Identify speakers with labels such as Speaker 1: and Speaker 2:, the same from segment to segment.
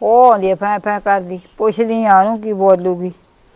Speaker 1: ਉਹ ਆਉਂਦੀ ਆ ਫੈ ਕਰਦੀ, ਪੁੱਛਦੀ ਆ ਉਹਨੂੰ ਕੀ ਬੋਲੂਗੀ।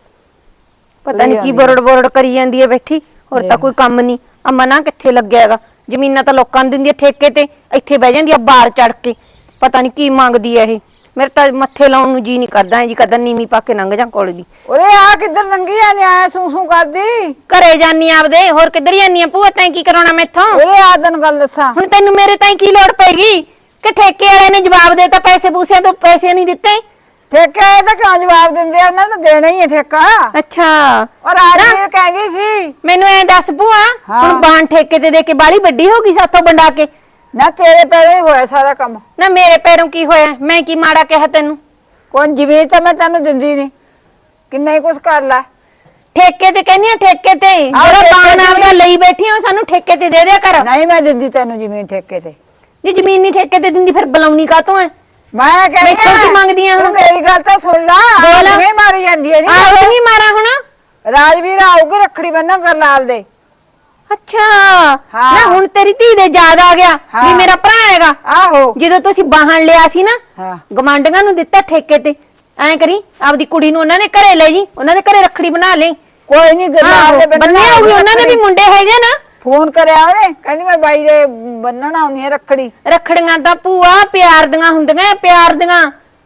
Speaker 2: ਪਤਾ ਨਹੀਂ ਕੀ ਬੋਰਡ ਬੋਰਡ ਕਰੀ ਜਾਂਦੀ ਹੈ ਬੈਠੀ, ਹੋਰ ਤਾਂ ਕੋਈ ਕੰਮ ਨਹੀਂ। ਆ ਮਨਾ ਕਿੱਥੇ ਲੱਗਿਆ ਹੈਗਾ, ਜ਼ਮੀਨਾਂ ਤਾਂ ਲੋਕਾਂ ਨੂੰ ਦਿੰਦੀ ਆ ਠੇਕੇ ਤੇ, ਇੱਥੇ ਬਹਿ ਜਾਂਦੀ ਆ ਬਾਹਰ ਚੜ ਕੇ। ਪਤਾ ਨਹੀਂ ਕੀ ਮੰਗਦੀ ਆ ਇਹ, ਮੇਰੇ ਤਾਂ ਮੱਥੇ ਲਾਉਣ ਨੂੰ ਜੀ ਨਹੀਂ ਕਰਦਾ, ਜੀ ਕਦਰ ਨੀਵੀਂ ਪਾ ਕੇ ਲੰਘ ਜਾ ਕੋਲ ਦੀ।
Speaker 1: ਉਰੇ ਆ ਕਿੱਧਰ ਲੰਗੀ ਆ, ਆਇਆ ਸੂ ਕਰਦੀ।
Speaker 2: ਘਰੇ ਜਾਨੀ ਆਪਦੇ, ਹੋਰ ਕਿੱਧਰ ਜਾਨੀ ਆ ਭੂਆ? ਤੈਂ ਕੀ ਕਰਾਉਣਾ ਮੈਥੋਂ?
Speaker 1: ਉਰੇ ਆ ਤੈਨੂੰ ਗੱਲ ਦੱਸਾਂ,
Speaker 2: ਹੁਣ ਤੈਨੂੰ ਮੇਰੇ ਤਾਈਂ ਕੀ ਲੋੜ ਪੈਗੀ ਕਿ ਠੇਕੇ ਵਾਲੇ ਨੇ ਜਵਾਬ ਦੇਤਾ, ਪੈਸੇ ਪੂਸਿਆਂ ਤੋਂ ਪੈਸੇ ਨਹੀਂ ਦਿੱਤੇ?
Speaker 1: ਠੇਕਾ ਇਹ ਤਾਂ ਕਿਉਂ ਜਵਾਬ ਦਿੰਦੇ ਆ, ਉਹਨਾਂ ਨੂੰ ਦੇਣਾ ਹੀ ਹੈ ਠੇਕਾ।
Speaker 2: ਅੱਛਾ,
Speaker 1: ਔਰ ਰਾਜਵੀਰ ਕਹਿੰਦੀ ਸੀ
Speaker 2: ਮੈਨੂੰ ਐ ਦੱਸ ਭੂਆ, ਹੁਣ ਬਾਣ ਠੇਕੇ ਤੇ ਦੇ ਕੇ ਬਾਲੀ ਵੱਡੀ ਹੋ ਗਈ ਸਾਥੋਂ ਵੰਡਾ ਕੇ?
Speaker 1: ਨਾ ਤੇਰੇ ਪੈਰੇ ਹੀ ਹੋਇਆ ਸਾਰਾ ਕੰਮ।
Speaker 2: ਨਾ ਮੇਰੇ ਪੈਰੋਂ ਕੀ ਹੋਇਆ? ਮੈਂ ਕੀ ਮਾੜਾ ਕਿਹਾ ਤੈਨੂੰ?
Speaker 1: ਕੋਈ ਜ਼ਮੀਨ ਤਾਂ ਮੈਂ ਤੈਨੂੰ ਦਿੰਦੀ ਨਹੀਂ, ਕਿੰਨਾ ਹੀ ਕੁਛ ਕਰ ਲੈ।
Speaker 2: ਠੇਕੇ ਤੇ ਕਹਿੰਦੀ ਆ, ਠੇਕੇ ਤੇ ਜਿਹੜਾ ਬਾਣ ਆਪਦਾ ਲਈ ਬੈਠੀ ਆ, ਸਾਨੂੰ ਠੇਕੇ ਤੇ ਦੇ ਦਿਆ ਕਰ।
Speaker 1: ਨਹੀਂ ਮੈਂ ਦਿੰਦੀ ਤੈਨੂੰ ਜ਼ਮੀਨ ਠੇਕੇ ਤੇ।
Speaker 2: ਜੇ ਜ਼ਮੀਨ ਨਹੀਂ ਠੇਕੇ ਤੇ ਦਿੰਦੀ ਫਿਰ ਬੁਲਾਉਣੀ ਕਾਤੋਂ ਐ?
Speaker 1: ਮੈਂ ਕਹਿੰਦੀ
Speaker 2: ਮੈਥੋਂ ਕੀ ਮੰਗਦੀਆਂ
Speaker 1: ਤੂੰ
Speaker 2: ਹੁਣ?
Speaker 1: ਮੇਰੀ ਗੱਲ ਤਾਂ ਸੁਣ ਲੈ, ਕਿਵੇਂ ਮਾਰੀ ਜਾਂਦੀ ਹੈ
Speaker 2: ਆਹ
Speaker 1: ਜੀ।
Speaker 2: ਨਹੀਂ ਮਾਰਾ ਹੁਣ?
Speaker 1: ਰਾਜਵੀਰ ਆਊਗੀ ਰੱਖੜੀ ਬੰਨਣ ਗਰਲਾਲ ਦੇ।
Speaker 2: ਅੱਛਾ, ਨਾ ਹੁਣ ਤੇਰੀ ਧੀ ਦੇ ਯਾਦ ਆ ਗਿਆ ਵੀ ਮੇਰਾ ਭਰਾ ਹੈਗਾ।
Speaker 1: ਆਹੋ,
Speaker 2: ਜਦੋਂ ਤੁਸੀਂ ਬਾਹਣ ਲਿਆ ਸੀ ਨਾ,
Speaker 1: ਹਾਂ
Speaker 2: ਗਵਾਂਢੀਆਂ ਨੂੰ ਦਿੱਤਾ ਠੇਕੇ ਤੇ, ਐਂ ਕਰੀ ਆਪਦੀ ਕੁੜੀ ਨੂੰ ਉਹਨਾਂ ਦੇ ਘਰੇ ਲੈ ਜੀ, ਉਹਨਾਂ ਦੇ ਘਰੇ ਰੱਖੜੀ ਬਣਾ ਲਈ।
Speaker 1: ਕੋਈ ਨਹੀਂ ਗਰਲਾਲ ਦੇ
Speaker 2: ਬੰਨੇ ਆਉਗੀ, ਉਹਨਾਂ ਦੇ ਵੀ ਮੁੰਡੇ ਹੈਗੇ ਨਾ।
Speaker 1: ਫੋਨ ਕਰਿਆ ਉਹਨੇ, ਕਹਿੰਦੀ ਮੈਂ ਬਾਈ ਦੇ ਬੰਨਣ ਆਉਣੀ ਹੈ ਰੱਖੜੀ।
Speaker 2: ਰੱਖੜੀਆਂ ਤਾਂ ਭੂਆ ਪਿਆਰ ਦੀਆਂ ਹੁੰਦੀਆਂ, ਪਿਆਰ ਦੀਆਂ।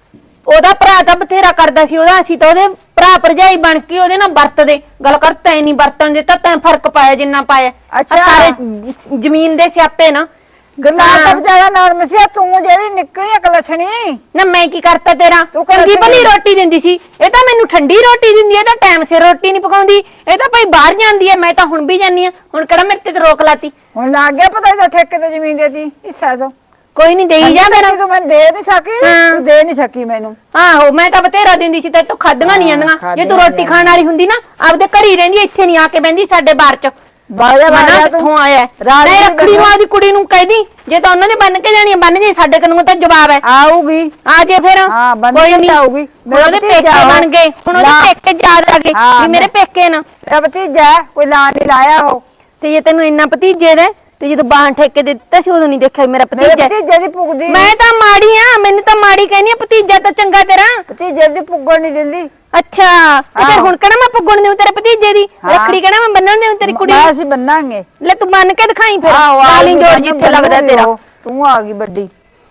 Speaker 2: ਉਹਦਾ ਭਰਾ ਤਾਂ ਬਥੇਰਾ ਕਰਦਾ ਸੀ ਉਹਦਾ, ਅਸੀਂ ਤਾਂ ਉਹਦੇ ਭਰਾ ਭਰਜਾਈ ਬਣ ਕੇ ਉਹਦੇ ਨਾਲ ਵਰਤਦੇ। ਗੱਲ ਕਰ, ਤੈਂ ਨਹੀਂ ਵਰਤਣ ਦਿੱਤਾ, ਤੈਂ ਫਰਕ ਪਾਇਆ ਜਿੰਨਾ ਪਾਇਆ।
Speaker 1: ਅੱਛਾ,
Speaker 2: ਸਾਰੇ ਜ਼ਮੀਨ ਦੇ ਸਿਆਪੇ ਨਾ।
Speaker 1: ਗਰਲਾਲ ਦਾ ਵਿਚਾਰਾ ਨਰਮ ਸੀ, ਤੂੰ ਜਿਹੜੀ ਨਿਕਲੀ ਅਕਲਛਣੀ।
Speaker 2: ਨਾ ਮੈਂ ਕੀ ਕਰਤਾ ਤੇਰਾ?
Speaker 1: ਤੂੰ
Speaker 2: ਚੰਗੀ ਭਲੀ ਰੋਟੀ ਦਿੰਦੀ ਸੀ, ਇਹ ਤਾਂ ਮੈਨੂੰ ਠੰਡੀ ਰੋਟੀ ਦਿੰਦੀ ਹੈ, ਤਾਂ ਟਾਈਮ ਸਿਰ ਰੋਟੀ ਨਹੀਂ ਪਕਾਉਂਦੀ। ਇਹ ਤਾਂ ਭਾਈ ਬਾਹਰ ਜਾਂਦੀ ਹੈ, ਮੈਂ ਤਾਂ ਹੁਣ ਵੀ ਜਾਂਦੀ ਆ। ਹੁਣ ਕਿਹੜਾ ਮੇਰੇ ਤੇ ਰੋਕ ਲਾਤੀ?
Speaker 1: ਹੁਣ ਲੱਗ ਗਿਆ ਪਤਾ ਇਹਦਾ ਠੇਕੇ ਤੇ ਜ਼ਮੀਨ ਦੇਤੀ ਹਿੱਸਾ ਤੋਂ।
Speaker 2: ਕੋਈ ਨਹੀਂ, ਦੇਈ ਜਾ ਮੇਰਾ।
Speaker 1: ਤੂੰ ਮੈਨੂੰ ਦੇ ਨਹੀਂ ਸਕੀ, ਤੂੰ ਦੇ ਨਹੀਂ ਸਕੀ ਮੈਨੂੰ।
Speaker 2: ਆਹੋ, ਮੈਂ ਤਾਂ ਬਥੇਰਾ ਦਿੰਦੀ ਸੀ, ਤੇ ਤੂੰ ਖਾਦੀਆਂ ਨਹੀਂ ਆਂਦੀਆਂ। ਜੇ ਤੂੰ ਰੋਟੀ ਖਾਣ ਵਾਲੀ ਹੁੰਦੀ ਨਾ, ਆਪਦੇ ਘਰ ਹੀ ਰਹਿੰਦੀ, ਇੱਥੇ ਨਹੀਂ ਆ ਕੇ ਬਹਿੰਦੀ ਸਾਡੇ ਬਾਹਰ ਚ।
Speaker 1: ਬਾਜਾ ਬਾਜਾ
Speaker 2: ਤੂੰ ਆਇਆ ਨਹੀਂ, ਰੱਖੜੀ ਨੂੰ ਆਦੀ ਕੁੜੀ ਨੂੰ ਕਹਿਦੀ, ਜੇ ਤਾਂ ਉਹਨਾਂ ਨੇ ਬੰਨ ਕੇ ਜਾਣੀ ਬੰਨ ਜੇ, ਸਾਡੇ ਕੋਲੋਂ ਤਾਂ ਜਵਾਬ ਹੈ।
Speaker 1: ਆਊਗੀ,
Speaker 2: ਆ ਜੇ ਫਿਰ।
Speaker 1: ਹਾਂ ਬੰਨ
Speaker 2: ਕੋਈ
Speaker 1: ਕੇ ਆਊਗੀ।
Speaker 2: ਉਹਦੇ ਪੇਕੇ ਬਣ ਗਏ, ਹੁਣ ਉਹਦੇ ਪੇਕੇ ਯਾਦ ਆ ਗਏ ਵੀ ਮੇਰੇ ਪੇਕੇ ਨਾ।
Speaker 1: ਤੇਰਾ ਭਤੀਜਾ ਕੋਈ ਲਾ ਨਹੀਂ ਲਾਇਆ ਉਹ।
Speaker 2: ਤੇ ਜੇ ਤੈਨੂੰ ਇੰਨਾ ਭਤੀਜੇ ਦਾ, ਤੇ ਜਦੋਂ ਬਾਹਣ ਠੇਕੇ ਦੇ ਦਿੱਤਾ ਸੀ ਉਦੋਂ ਨਹੀਂ ਦੇਖਿਆ ਮੇਰਾ ਭਤੀਜਾ।
Speaker 1: ਭਤੀਜੇ ਦੀ ਪੁੱਗਦੀ,
Speaker 2: ਮੈਂ ਤਾਂ ਮਾੜੀ ਆ, ਮੈਨੂੰ ਤਾਂ ਮਾੜੀ ਕਹਿੰਦੀ ਆ। ਭਤੀਜਾ ਤਾਂ ਚੰਗਾ ਤੇਰਾ।
Speaker 1: ਭਤੀਜੇ ਦੀ ਪੁੱਗਣ ਨਹੀਂ ਦਿੰਦੀ।
Speaker 2: ਅੱਛਾ, ਤੇ ਫਿਰ ਹੁਣ ਕਿਹੜਾ ਮੈਂ ਪੁੱਗਣ ਦੇਉ ਤੇਰੇ ਭਤੀਜੇ ਦੀ ਰੱਖੜੀ? ਕਿਹੜਾ ਮੈਂ ਬੰਨਣ ਦੇਉ ਤੇਰੀ ਕੁੜੀ?
Speaker 1: ਅਸੀਂ ਬੰਨਾਂਗੇ।
Speaker 2: ਲੈ ਤੂੰ ਬੰਨ ਕੇ ਦਿਖਾਈ ਫਿਰ, ਕਾਲੀ ਜੋੜ ਜਿੱਥੇ ਲੱਗਦਾ ਤੇਰਾ।
Speaker 1: ਤੂੰ ਆ ਗਈ ਵੱਡੀ,